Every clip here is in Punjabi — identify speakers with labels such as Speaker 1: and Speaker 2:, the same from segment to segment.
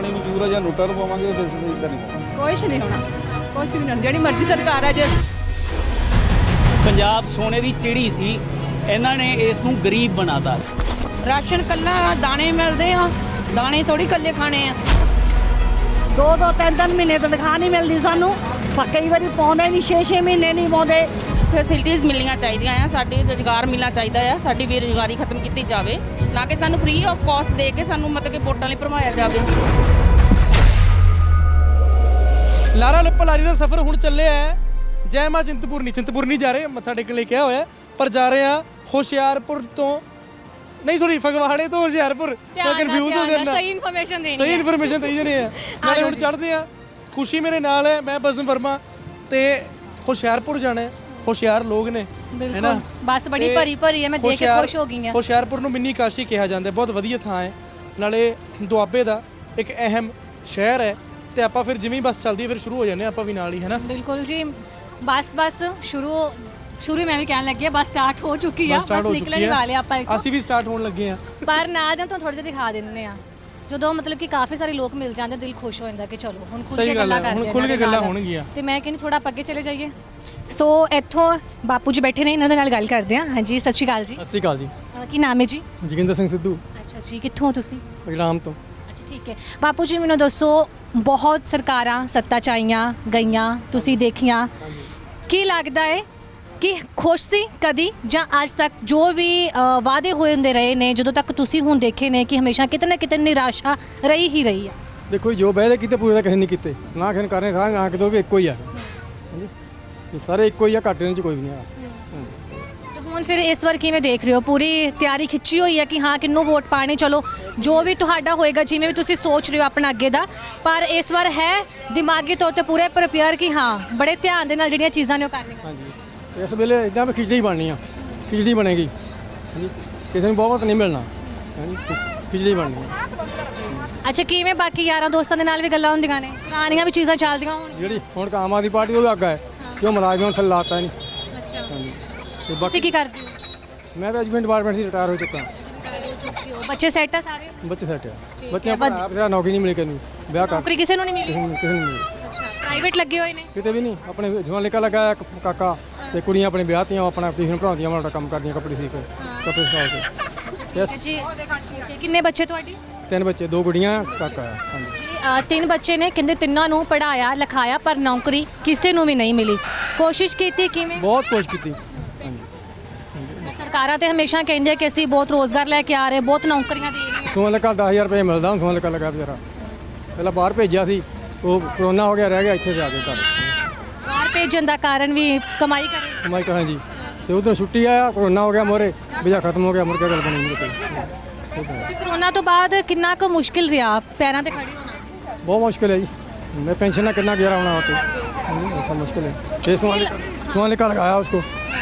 Speaker 1: ਪਾਣੀ ਨੂੰ ਜ਼ਰੂਰ ਜਾਂ ਨੋਟਾਂ ਨੂੰ ਪਾਵਾਂਗੇ ਫਿਰ ਇਦਾਂ ਨਹੀਂ ਪਾਵਾਂਗੇ।
Speaker 2: ਕੁਛ ਨਹੀਂ ਹੋਣਾ, ਕੁਛ ਵੀ ਨਹੀਂ, ਜਿਹੜੀ ਮਰਜ਼ੀ ਸਰਕਾਰ ਆ ਜੇ।
Speaker 3: ਪੰਜਾਬ ਸੋਨੇ ਦੀ ਚਿੜੀ ਸੀ, ਇਹਨਾਂ ਨੇ ਇਸ ਨੂੰ ਗਰੀਬ ਬਣਾਤਾ।
Speaker 4: ਰਾਸ਼ਨ ਕੱਲਾ ਦਾਣੇ ਮਿਲਦੇ ਆ, ਦਾਣੇ ਥੋੜੀ ਕੱਲੇ ਖਾਣੇ ਆ।
Speaker 5: 2-2 3-3 ਮਹੀਨੇ ਤਨਖਾਹ ਨਹੀਂ ਮਿਲਦੀ ਸਾਨੂੰ, ਪਰ ਕਈ ਵਾਰੀ ਪਾਉਂਦੇ ਨਹੀਂ, 6-6 ਮਹੀਨੇ ਨਹੀਂ ਪਾਉਂਦੇ।
Speaker 4: ਫੈਸਿਲਿਟੀਆਂ ਮਿਲਣੀਆਂ ਚਾਹੀਦੀਆਂ ਆ, ਸਾਡੇ ਰੁਜ਼ਗਾਰ ਮਿਲਣਾ ਚਾਹੀਦਾ ਆ, ਸਾਡੀ ਬੇਰੁਜ਼ਗਾਰੀ ਖਤਮ ਕੀਤੀ ਜਾਵੇ, ਨਾ ਕਿ ਸਾਨੂੰ ਫ੍ਰੀ ਆਫ ਕਾਸਟ ਦੇ ਕੇ ਸਾਨੂੰ ਮਤਲਬ ਕਿ ਵੋਟਾਂ ਲਈ ਭਰਮਾਇਆ ਜਾਵੇ।
Speaker 6: ਲਾਰਾ ਲੱਪਾ ਲਾਰੀ ਦਾ ਸਫ਼ਰ ਹੁਣ ਚੱਲਿਆ ਹੈ ਜੈ ਮਾਂ ਚਿੰਤਪੁਰਨੀ ਜਾ ਰਹੇ, ਮੱਥਾ ਟੇਕਣ ਲਈ ਕਿਹਾ ਹੋਇਆ, ਪਰ ਜਾ ਰਹੇ ਆ ਹੁਸ਼ਿਆਰਪੁਰ ਤੋਂ ਨਹੀਂ, ਸੌਰੀ, ਫਗਵਾੜੇ ਤੋਂ ਹੁਸ਼ਿਆਰਪੁਰ। ਮੈਂ ਕਨਫਿਊਜ਼ ਹੋ ਜਾਂਦਾ,
Speaker 7: ਸਹੀ ਇਨਫੋਰਮੇਸ਼ਨ ਦੇਣੀ,
Speaker 6: ਸਹੀ ਇਨਫੋਰਮੇਸ਼ਨ ਦੇਈ ਜਨੇ ਆ। ਨਾਲੇ ਹੁਣ ਚੜ੍ਹਦੇ ਆ, ਖੁਸ਼ੀ ਮੇਰੇ ਨਾਲ ਹੈ, ਮੈਂ ਬਸਮ ਵਰਮਾ, ਤੇ ਹੁਸ਼ਿਆਰਪੁਰ ਜਾਣਾ ਹੈ। ਹੁਸ਼ਿਆਰ ਲੋਕ ਨੇ, ਹੈ ਨਾ,
Speaker 7: ਬਸ ਬੜੀ ਭਰੀ ਭਰੀ ਹੈ, ਮੈਂ ਦੇਖ ਕੇ ਖੁਸ਼ ਹੋ ਗਈ ਹਾਂ।
Speaker 6: ਹੁਸ਼ਿਆਰਪੁਰ ਨੂੰ ਮਿੰਨੀ ਕਾਸ਼ੀ ਕਿਹਾ ਜਾਂਦਾ, ਬਹੁਤ ਵਧੀਆ ਥਾਂ ਹੈ, ਨਾਲੇ ਦੁਆਬੇ ਦਾ ਇੱਕ ਅਹਿਮ ਸ਼ਹਿਰ ਹੈ। ਤੇ ਆਪਾਂ ਫਿਰ ਜਿਵੇਂ ਬੱਸ ਚੱਲਦੀ ਫਿਰ ਸ਼ੁਰੂ ਹੋ ਜਾਂਦੇ ਆਪਾਂ ਵੀ ਨਾਲ ਹੀ, ਹੈ ਨਾ।
Speaker 7: ਬਿਲਕੁਲ ਜੀ, ਬਸ ਸ਼ੁਰੂ ਮੈਂ ਵੀ ਕਹਿਣ ਲੱਗੀ ਆ, ਬਸ ਸਟਾਰਟ ਹੋ ਚੁੱਕੀ ਆ, ਬਸ ਨਿਕਲਣ ਹੀ ਵਾਲੇ ਆਪਾਂ।
Speaker 6: ਅਸੀਂ ਵੀ ਸਟਾਰਟ ਹੋਣ ਲੱਗੇ ਆ,
Speaker 7: ਪਰ ਨਾਲ ਜਾਂ ਥੋੜਾ ਜਿਹਾ ਦਿਖਾ ਦਿੰਦੇ ਆ, ਜਦੋਂ ਮਤਲਬ ਕਿ ਕਾਫੀ ਸਾਰੇ ਲੋਕ ਮਿਲ ਜਾਂਦੇ, ਦਿਲ ਖੁਸ਼ ਹੋ ਜਾਂਦਾ ਕਿ ਚਲੋ ਹੁਣ ਖੁੱਲ ਕੇ ਗੱਲਾਂ ਕਰਦੇ ਆ,
Speaker 6: ਹੁਣ ਖੁੱਲ ਕੇ ਗੱਲਾਂ ਹੋਣਗੀਆਂ।
Speaker 7: ਤੇ ਮੈਂ ਕਹਿੰਦੀ ਥੋੜਾ ਅੱਗੇ ਚਲੇ ਜਾਈਏ। ਸੋ ਇੱਥੋਂ ਬਾਪੂ ਜੀ ਬੈਠੇ ਨੇ, ਇਹਨਾਂ ਦੇ ਨਾਲ ਗੱਲ ਕਰਦੇ ਆ। ਹਾਂਜੀ, ਸਤਿ ਸ਼੍ਰੀ ਅਕਾਲ ਜੀ।
Speaker 6: ਸਤਿ ਸ਼੍ਰੀ ਅਕਾਲ ਜੀ।
Speaker 7: ਕੀ ਨਾਮ ਹੈ ਜੀ?
Speaker 6: ਜੋਗਿੰਦਰ ਸਿੰਘ ਸਿੱਧੂ।
Speaker 7: ਅੱਛਾ ਜੀ, ਕਿੱਥੋਂ ਤੁਸੀਂ?
Speaker 6: ਰਾਮ ਤੋਂ।
Speaker 7: ਅੱਛਾ, ਠੀਕ ਹੈ। ਬਾਪੂ ਜੀ ਮੈਨੂੰ ਦੱਸੋ, ਬਹੁਤ ਸਰਕਾਰਾਂ ਸੱਤਾ 'ਚ ਆਈਆਂ ਗਈਆਂ, ਤੁਸੀਂ ਦੇਖੀਆਂ, ਕੀ ਲੱਗਦਾ ਹੈ ਕਿ ਖੁਸ਼ ਸੀ ਕਦੀ, ਜਾਂ ਅੱਜ ਤੱਕ ਜੋ ਵੀ ਵਾਅਦੇ ਹੋਏ ਹੁੰਦੇ ਰਹੇ ਨੇ, ਜਦੋਂ ਤੱਕ ਤੁਸੀਂ ਹੁਣ ਦੇਖੇ ਨੇ ਕਿ ਹਮੇਸ਼ਾ ਕਿਤੇ ਨਾ ਕਿਤੇ ਨਿਰਾਸ਼ਾ ਰਹੀ ਹੀ ਰਹੀ ਆ?
Speaker 8: ਦੇਖੋ ਜੋ ਵਾਅਦੇ ਕੀਤੇ ਪੂਰੇ ਤਾਂ ਕਿਸੇ ਨਹੀਂ ਕੀਤੇ, ਨਾ ਕਿਸੇ ਨੇ ਕਰਨੇ, ਸਾਰੇ ਨਾ ਕਿਤੋਂ ਵੀ ਇੱਕੋ ਹੀ ਆ। ਹਾਂਜੀ, ਸਾਰੇ ਇੱਕੋ ਹੀ ਆ, ਘੱਟ ਇਹਨਾਂ 'ਚ ਕੋਈ ਵੀ ਨਹੀਂ ਆ।
Speaker 7: ਤੇ ਹੁਣ ਫਿਰ ਇਸ ਵਾਰ ਕਿਵੇਂ ਦੇਖ ਰਹੇ ਹੋ? ਪੂਰੀ ਤਿਆਰੀ ਖਿੱਚੀ ਹੋਈ ਹੈ ਕਿ ਹਾਂ ਕਿਹਨੂੰ ਵੋਟ ਪਾਣੇ? ਚਲੋ ਜੋ ਵੀ ਤੁਹਾਡਾ ਹੋਏਗਾ, ਜਿਵੇਂ ਵੀ ਤੁਸੀਂ ਸੋਚ ਰਹੇ ਹੋ ਆਪਣਾ ਅੱਗੇ ਦਾ, ਪਰ ਇਸ ਵਾਰ ਹੈ ਦਿਮਾਗੀ ਤੌਰ ਤੇ ਪੂਰੇ ਪ੍ਰਿਪੇਅਰ ਕਿ ਹਾਂ ਬੜੇ ਧਿਆਨ ਦੇ ਨਾਲ ਜਿਹੜੀਆਂ ਚੀਜ਼ਾਂ ਨੇ ਉਹ ਕਰਨੀਆਂ?
Speaker 8: ਹਾਂਜੀ, ਇਸ ਵੇਲੇ ਇੱਦਾਂ ਵੀ ਖਿਚੜੀ ਬਣਨੀ ਆ, ਖਿਚੜੀ ਬਣੇਗੀ। ਹਾਂਜੀ, ਕਿਸੇ ਨੂੰ ਬਹੁਤ ਨਹੀਂ ਮਿਲਣਾ। ਹਾਂਜੀ, ਖਿਚੜੀ ਬਣਨੀ ਆ।
Speaker 7: ਅੱਛਾ, ਕਿਵੇਂ ਬਾਕੀ ਯਾਰਾਂ ਦੋਸਤਾਂ ਦੇ ਨਾਲ ਵੀ ਗੱਲਾਂ ਹੁੰਦੀਆਂ ਨੇ, ਪੁਰਾਣੀਆਂ ਵੀ ਚੀਜ਼ਾਂ ਚੱਲਦੀਆਂ ਹੋਣ?
Speaker 8: ਜਿਹੜੀ ਹੁਣ ਆਮ ਆਦਮੀ ਪਾਰਟੀ ਉਹ ਵੀ ਅੱਗਾ ਹੈ, ਕਿਉਂ ਮੁਲਾਜ਼ਮਾਂ ਨੂੰ ਥੱਲੇ ਲਾਤਾ ਨਹੀਂ।
Speaker 7: ਅੱਛਾ,
Speaker 8: ਹਾਂਜੀ, ਤੇ
Speaker 7: ਤੁਸੀਂ ਕੀ ਕਰਦੇ ਹੋ?
Speaker 8: ਮੈਂ ਤਾਂ ਐਜੂਕੇਸ਼ਨ ਡਿਪਾਰਟਮੈਂਟ ਸੀ, ਰਿਟਾਇਰ ਹੋ ਚੁੱਕਾ।
Speaker 7: ਬੱਚੇ ਸੈੱਟ ਆ ਸਾਰੇ?
Speaker 8: ਬੱਚੇ ਸੈੱਟ ਆ, ਬੱਚਿਆਂ ਪਰ ਆਪ ਜਿਹੜਾ ਨੌਕਰੀ ਨਹੀਂ ਮਿਲੀ, ਕਿਸੇ ਨੂੰ ਵਿਆਹ ਕਰ,
Speaker 7: ਨੌਕਰੀ ਕਿਸੇ ਨੂੰ ਨਹੀਂ ਮਿਲੀ?
Speaker 8: ਕਿਸੇ ਨੂੰ ਮਿਲੀ
Speaker 7: ਅੱਛਾ, ਪ੍ਰਾਈਵੇਟ ਲੱਗੇ ਹੋਏ ਨੇ?
Speaker 8: ਕਿਤੇ ਵੀ ਨਹੀਂ। ਆਪਣੇ ਜਵਾਨ ਲਿਖਾ ਲਗਾਇਆ ਇੱਕ ਕਾਕਾ, ਤੇ ਕੁੜੀਆਂ ਆਪਣੇ ਵਿਆਹਤੀਆਂ, ਆਪਣਾ ਟਿਊਸ਼ਨ ਪੜ੍ਹਾਉਂਦੀਆਂ, ਮਾੜਾ ਕੰਮ ਕਰਦੀਆਂ, ਕੱਪੜੇ ਸੀ ਕੇ, ਕੱਪੜੇ ਸਿਖਾ ਕੇ।
Speaker 7: ਜੀ, ਕਿੰਨੇ ਬੱਚੇ ਤੁਹਾਡੇ?
Speaker 8: 3 ਬੱਚੇ, 2 ਗੁੜੀਆਂ, ਕਾਕਾ ਆ। ਹਾਂਜੀ
Speaker 7: ਜੀ, 3 ਬੱਚੇ ਨੇ, ਕਹਿੰਦੇ ਤਿੰਨਾਂ ਨੂੰ ਪੜਾਇਆ ਲਿਖਾਇਆ, ਪਰ ਨੌਕਰੀ ਕਿਸੇ ਨੂੰ ਵੀ ਨਹੀਂ ਮਿਲੀ। ਕੋਸ਼ਿਸ਼ ਕੀਤੀ ਕਿਵੇਂ?
Speaker 8: ਬਹੁਤ ਕੋਸ਼ਿਸ਼ ਕੀਤੀ।
Speaker 7: ਸਰਕਾਰਾਂ ਤੇ ਹਮੇਸ਼ਾ ਕਹਿੰਦੇ ਕਿ ਅਸੀਂ ਬਹੁਤ ਰੋਜ਼ਗਾਰ ਲੈ ਕੇ ਆ ਰਹੇ, ਬਹੁਤ ਨੌਕਰੀਆਂ ਦੇ ਰਹੇ
Speaker 8: ਸੋਨ ਲੱਗਾ 10,000 ਰੁਪਏ ਮਿਲਦਾ, ਹੁਣ ਸੋਨ ਲੱਗਾ ਵਿਚਾਰਾ। ਪਹਿਲਾਂ ਬਾਹਰ ਭੇਜਿਆ ਸੀ, ਉਹ ਕਰੋਨਾ ਹੋ ਗਿਆ, ਰਹਿ ਗਿਆ ਇੱਥੇ ਜਾ ਕੇ ਘਰ।
Speaker 7: ਬਾਹਰ ਭੇਜਣ ਦਾ ਕਾਰਨ ਵੀ ਕਮਾਈ ਕਰੇ?
Speaker 8: ਕਮਾਈ ਕਰਾਂ ਜੀ, ਤੇ ਉਧਰ ਛੁੱਟੀ ਆਇਆ, ਕਰੋਨਾ ਹੋ ਗਿਆ, ਮੋਰੇ ਵੀਜ਼ਾ ਖਤਮ ਹੋ ਗਿਆ, ਮੁੜ ਕੇ ਗੱਲ ਬਣੀ ਨਹੀਂ ਕੋਈ।
Speaker 7: ਜੀ, ਕਰੋਨਾ ਤੋਂ ਬਾਅਦ ਕਿੰਨਾ ਕੁ ਮੁਸ਼ਕਿਲ ਰਿਹਾ ਪੈਰਾਂ ਤੇ ਖੜੀ ਹੋਣਾ?
Speaker 8: ਬਹੁਤ ਮੁਸ਼ਕਿਲ ਹੈ ਜੀ, ਮੈਂ ਪੈਨਸ਼ਨ ਨਾਲ ਕਿੰਨਾ ਗੁਜ਼ਾਰਾ ਹੋਣਾ ਉੱਥੇ, बहुत मुश्किल है। 6 सोने का लगाया उसको,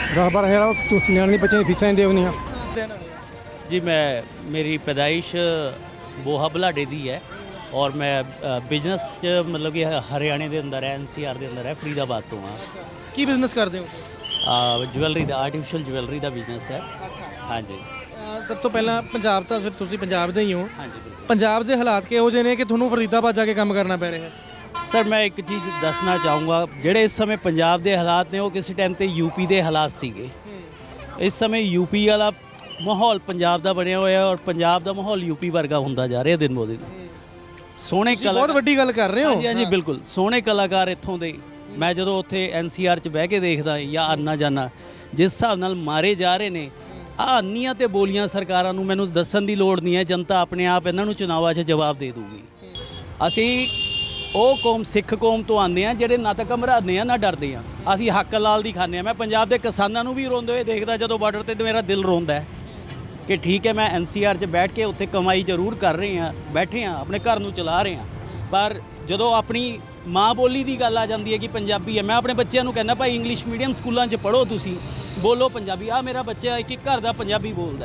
Speaker 8: 10-12 नियानी बच्चे की फीसें दे नहीं।
Speaker 3: जी, मेरी पैदाइश बोहा बलाडे दी है और मैं बिजनेस च मतलब कि हरियाणे के अंदर है, NCR के अंदर है, फरीदाबाद तो हाँ।
Speaker 6: ਕੀ ਬਿਜ਼ਨਸ ਕਰਦੇ ਹੋ?
Speaker 3: ज्वैलरी का, आर्टिफिशियल ज्वैलरी का बिजनेस है। हाँ जी।
Speaker 6: ਸਭ ਤੋਂ ਪਹਿਲਾਂ ਪੰਜਾਬ ਤਾਂ ਫਿਰ ਤੁਸੀਂ ਪੰਜਾਬ ਦੇ ਹੀ ਹੋ।
Speaker 3: हाँ जी, बिल्कुल।
Speaker 6: ਪੰਜਾਬ ਦੇ ਹਾਲਾਤ ਕਿਹੋ ਜਿਹੇ ਨੇ ਕਿ ਤੁਹਾਨੂੰ ਫਰੀਦਾਬਾਦ ਜਾ ਕੇ ਕੰਮ ਕਰਨਾ ਪੈ ਰਿਹਾ ਹੈ?
Speaker 3: सर मैं एक चीज़ दसना चाहूँगा, ਜਿਹੜੇ ਇਸ ਸਮੇਂ ਪੰਜਾਬ ਦੇ ਹਾਲਾਤ ਨੇ ਉਹ ਕਿਸੇ ਟਾਈਮ ਤੇ ਯੂਪੀ ਦੇ ਹਾਲਾਤ ਸੀਗੇ। ਇਸ ਸਮੇਂ ਯੂਪੀ ਵਾਲਾ ਮਾਹੌਲ ਪੰਜਾਬ ਦਾ ਬਣਿਆ ਹੋਇਆ ਔਰ ਪੰਜਾਬ ਦਾ ਮਾਹੌਲ ਯੂਪੀ ਵਰਗਾ ਹੁੰਦਾ ਜਾ ਰਿਹਾ ਦਿਨ ਬੋ ਦਿਨ। ਸੋਹਣੇ
Speaker 6: ਬਹੁਤ ਵੱਡੀ ਗੱਲ ਕਰ ਰਹੇ ਹੋ।
Speaker 3: ਹਾਂਜੀ ਹਾਂਜੀ, ਬਿਲਕੁਲ। ਸੋਹਣੇ ਕਲਾਕਾਰ ਇੱਥੋਂ ਦੇ, ਮੈਂ ਜਦੋਂ ਉੱਥੇ NCR 'ਚ ਬਹਿ ਕੇ ਦੇਖਦਾ ਜਾਂ ਆਨਾ ਜਾਨਾ, ਜਿਸ ਹਿਸਾਬ ਨਾਲ ਮਾਰੇ ਜਾ ਰਹੇ ਨੇ, ਆਹ ਅੰਨੀਆਂ ਤੇ ਬੋਲੀਆਂ ਸਰਕਾਰਾਂ ਨੂੰ ਮੈਨੂੰ ਦੱਸਣ ਦੀ ਲੋੜ ਨਹੀਂ ਹੈ, ਜਨਤਾ ਆਪਣੇ ਆਪ ਇਹਨਾਂ ਨੂੰ ਚੁਣਾਵਾਂ 'ਚ ਜਵਾਬ ਦੇ ਦੂਗੀ। ਅਸੀਂ ਉਹ ਕੌਮ, ਸਿੱਖ ਕੌਮ ਤੋਂ ਆਉਂਦੇ ਆ ਜਿਹੜੇ ਨਾ ਤਾਂ ਘਬਰਾਉਂਦੇ ਆ ਨਾ ਡਰਦੇ ਆ। ਅਸੀਂ ਹੱਕ ਲਾਲ ਦੀ ਖਾਂਦੇ ਆ। ਮੈਂ ਪੰਜਾਬ ਦੇ ਕਿਸਾਨਾਂ ਨੂੰ ਵੀ ਰੋਂਦੇ ਹੋਏ ਦੇਖਦਾ ਜਦੋਂ ਬਾਰਡਰ ਤੇ ਮੇਰਾ ਦਿਲ ਰੋਂਦਾ ਹੈ ਕਿ ਠੀਕ ਹੈ, ਮੈਂ NCR 'ਚ ਬੈਠ ਕੇ ਉੱਥੇ ਕਮਾਈ ਜ਼ਰੂਰ ਕਰ ਰਹੇ ਆ, ਬੈਠੇ ਆ, ਆਪਣੇ ਘਰ ਨੂੰ ਚਲਾ ਰਹੇ ਆ, ਪਰ ਜਦੋਂ ਆਪਣੀ ਮਾਂ ਬੋਲੀ ਦੀ ਗੱਲ ਆ ਜਾਂਦੀ ਹੈ ਕਿ ਪੰਜਾਬੀ ਹੈ, ਮੈਂ ਆਪਣੇ ਬੱਚਿਆਂ ਨੂੰ ਕਹਿੰਦਾ ਭਾਈ ਇੰਗਲਿਸ਼ ਮੀਡੀਅਮ ਸਕੂਲਾਂ 'ਚ ਪੜ੍ਹੋ, ਤੁਸੀਂ ਬੋਲੋ ਪੰਜਾਬੀ। ਆ ਮੇਰਾ ਬੱਚਾ ਇੱਕ ਘਰ ਦਾ ਪੰਜਾਬੀ ਬੋਲਦਾ,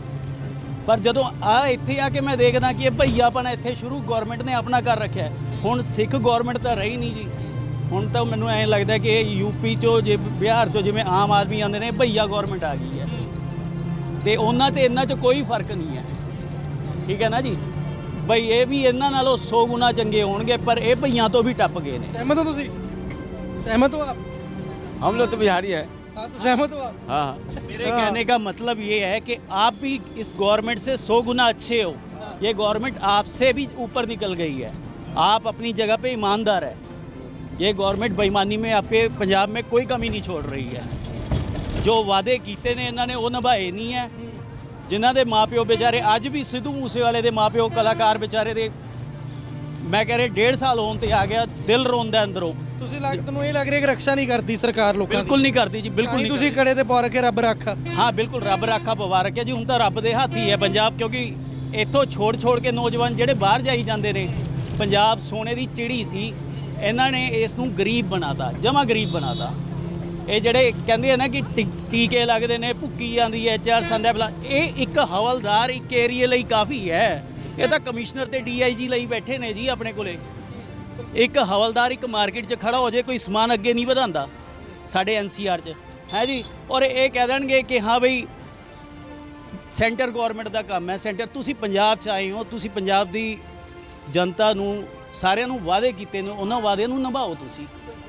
Speaker 3: ਪਰ ਜਦੋਂ ਇੱਥੇ ਆ ਕੇ ਮੈਂ ਦੇਖਦਾ ਕਿ ਇਹ ਭਈਆਪਨ ਇੱਥੇ ਸ਼ੁਰੂ ਗੌਰਮੈਂਟ ਨੇ ਆਪਣਾ ਕਰ ਰੱਖਿਆ। ਹੁਣ ਸਿੱਖ ਗੌਰਮੈਂਟ ਤਾਂ ਰਹੀ ਨਹੀਂ ਜੀ। ਹੁਣ ਤਾਂ ਮੈਨੂੰ ਐਂ ਲੱਗਦਾ ਕਿ ਯੂਪੀ 'ਚੋਂ, ਜੇ ਬਿਹਾਰ 'ਚੋਂ ਜਿਵੇਂ ਆਮ ਆਦਮੀ ਆਉਂਦੇ ਨੇ, ਭਈਆ ਗੌਰਮੈਂਟ ਆ ਗਈ ਹੈ ਤੇ ਉਹਨਾਂ ਤੇ ਇਹਨਾਂ 'ਚ ਕੋਈ ਫਰਕ ਨਹੀਂ ਹੈ। ਠੀਕ ਹੈ ਨਾ ਜੀ। ਬਈ ਇਹ ਵੀ ਇਹਨਾਂ ਨਾਲੋਂ 100 ਗੁਣਾ ਚੰਗੇ ਹੋਣਗੇ, ਪਰ ਇਹ ਭਈਆਂ ਤੋਂ ਵੀ ਟੱਪ ਗਏ ਨੇ।
Speaker 6: सहमत हो ਤੁਸੀਂ? सहमत हो आप?
Speaker 9: हम लोग तो बिहारी है।
Speaker 6: हाँ तो सहमत हो आप?
Speaker 9: हाँ
Speaker 3: मेरे कहने का मतलब ये है कि आप भी इस गवर्नमेंट से 100 गुना अच्छे हो। ये गवर्नमेंट आपसे भी ऊपर निकल गई है। आप अपनी जगह पे ईमानदार है। ये गवर्नमेंट बेईमानी में आपके पंजाब में कोई कमी नहीं छोड़ रही है। जो वादे कीते ने इन्होंने वो निभाए नहीं है। जिन्हों के माँ प्यो बेचारे अज भी सिद्धू मूसेवाले के माँ प्यो कलाकार बेचारे दे मैं कह रहा 1.5 साल होने ते आ गया, दिल रोंदा अंदरों।
Speaker 6: ਤੁਹਾਨੂੰ ਇਹ ਲੱਗ ਰਿਹਾ ਕਿ ਰੱਖਿਆ ਨਹੀਂ ਕਰਦੀ ਸਰਕਾਰ ਲੋਕਾਂ ਦੀ?
Speaker 3: ਬਿਲਕੁਲ ਨਹੀਂ ਕਰਦੀ ਜੀ, ਬਿਲਕੁਲ ਨਹੀਂ।
Speaker 6: ਤੁਸੀਂ ਕੜੇ ਤੇ ਪਾ ਰੱਖੇ ਰੱਬ ਰਾਖਾ।
Speaker 3: ਹਾਂ ਬਿਲਕੁਲ, ਰੱਬ ਰਾਖਾ ਪਵਾ ਰੱਖਿਆ ਜੀ। ਹੁਣ ਤਾਂ ਰੱਬ ਦੇ ਹੱਥ ਹੀ ਹੈ ਪੰਜਾਬ, ਕਿਉਂਕਿ ਇੱਥੋਂ ਛੋੜ ਕੇ ਨੌਜਵਾਨ ਜਿਹੜੇ ਬਾਹਰ ਜਾਈ ਜਾਂਦੇ ਨੇ। ਪੰਜਾਬ ਸੋਨੇ ਦੀ ਚਿੜੀ ਸੀ, ਇਹਨਾਂ ਨੇ ਇਸ ਨੂੰ ਗਰੀਬ ਬਣਾਤਾ, ਜਮਾ ਗਰੀਬ ਬਣਾਤਾ। ਇਹ ਜਿਹੜੇ ਕਹਿੰਦੇ ਆ ਨਾ ਕਿ ਟੀਕੇ ਲੱਗਦੇ ਨੇ, ਭੁੱਕੀ ਜਾਂਦੀ ਹੈ, ਚਾਰ ਸੰਦਾ ਬਲਾ, ਇਹ ਇੱਕ ਹਵਲਦਾਰ ਇੱਕ ਏਰੀਏ ਲਈ ਕਾਫੀ ਹੈ। ਇਹ ਤਾਂ ਕਮਿਸ਼ਨਰ ਤੇ DIG ਲਈ ਬੈਠੇ ਨੇ ਜੀ ਆਪਣੇ ਕੋਲੇ। ਇੱਕ ਹਵਲਦਾਰ ਇੱਕ ਮਾਰਕੀਟ 'ਚ ਖੜਾ ਹੋ ਜਾਏ, ਕੋਈ ਸਮਾਨ ਅੱਗੇ ਨਹੀਂ ਵਧਾਉਂਦਾ ਸਾਡੇ NCR 'ਚ ਹੈ ਜੀ। ਔਰ ਇਹ ਕਹਿ ਦੇਣਗੇ ਕਿ ਹਾਂ ਬਈ ਸੈਂਟਰ ਗਵਰਨਮੈਂਟ ਦਾ ਕੰਮ ਹੈ। ਸੈਂਟਰ, ਤੁਸੀਂ ਪੰਜਾਬ 'ਚ ਆਏ ਹੋ, ਤੁਸੀਂ ਪੰਜਾਬ ਦੀ ਜਨਤਾ ਨੂੰ ਸਾਰਿਆਂ ਨੂੰ ਵਾਅਦੇ ਕੀਤੇ ਨੇ, ਉਹਨਾਂ ਵਾਅਦਿਆਂ ਨੂੰ ਨਿਭਾਓ ਤੁਸੀਂ।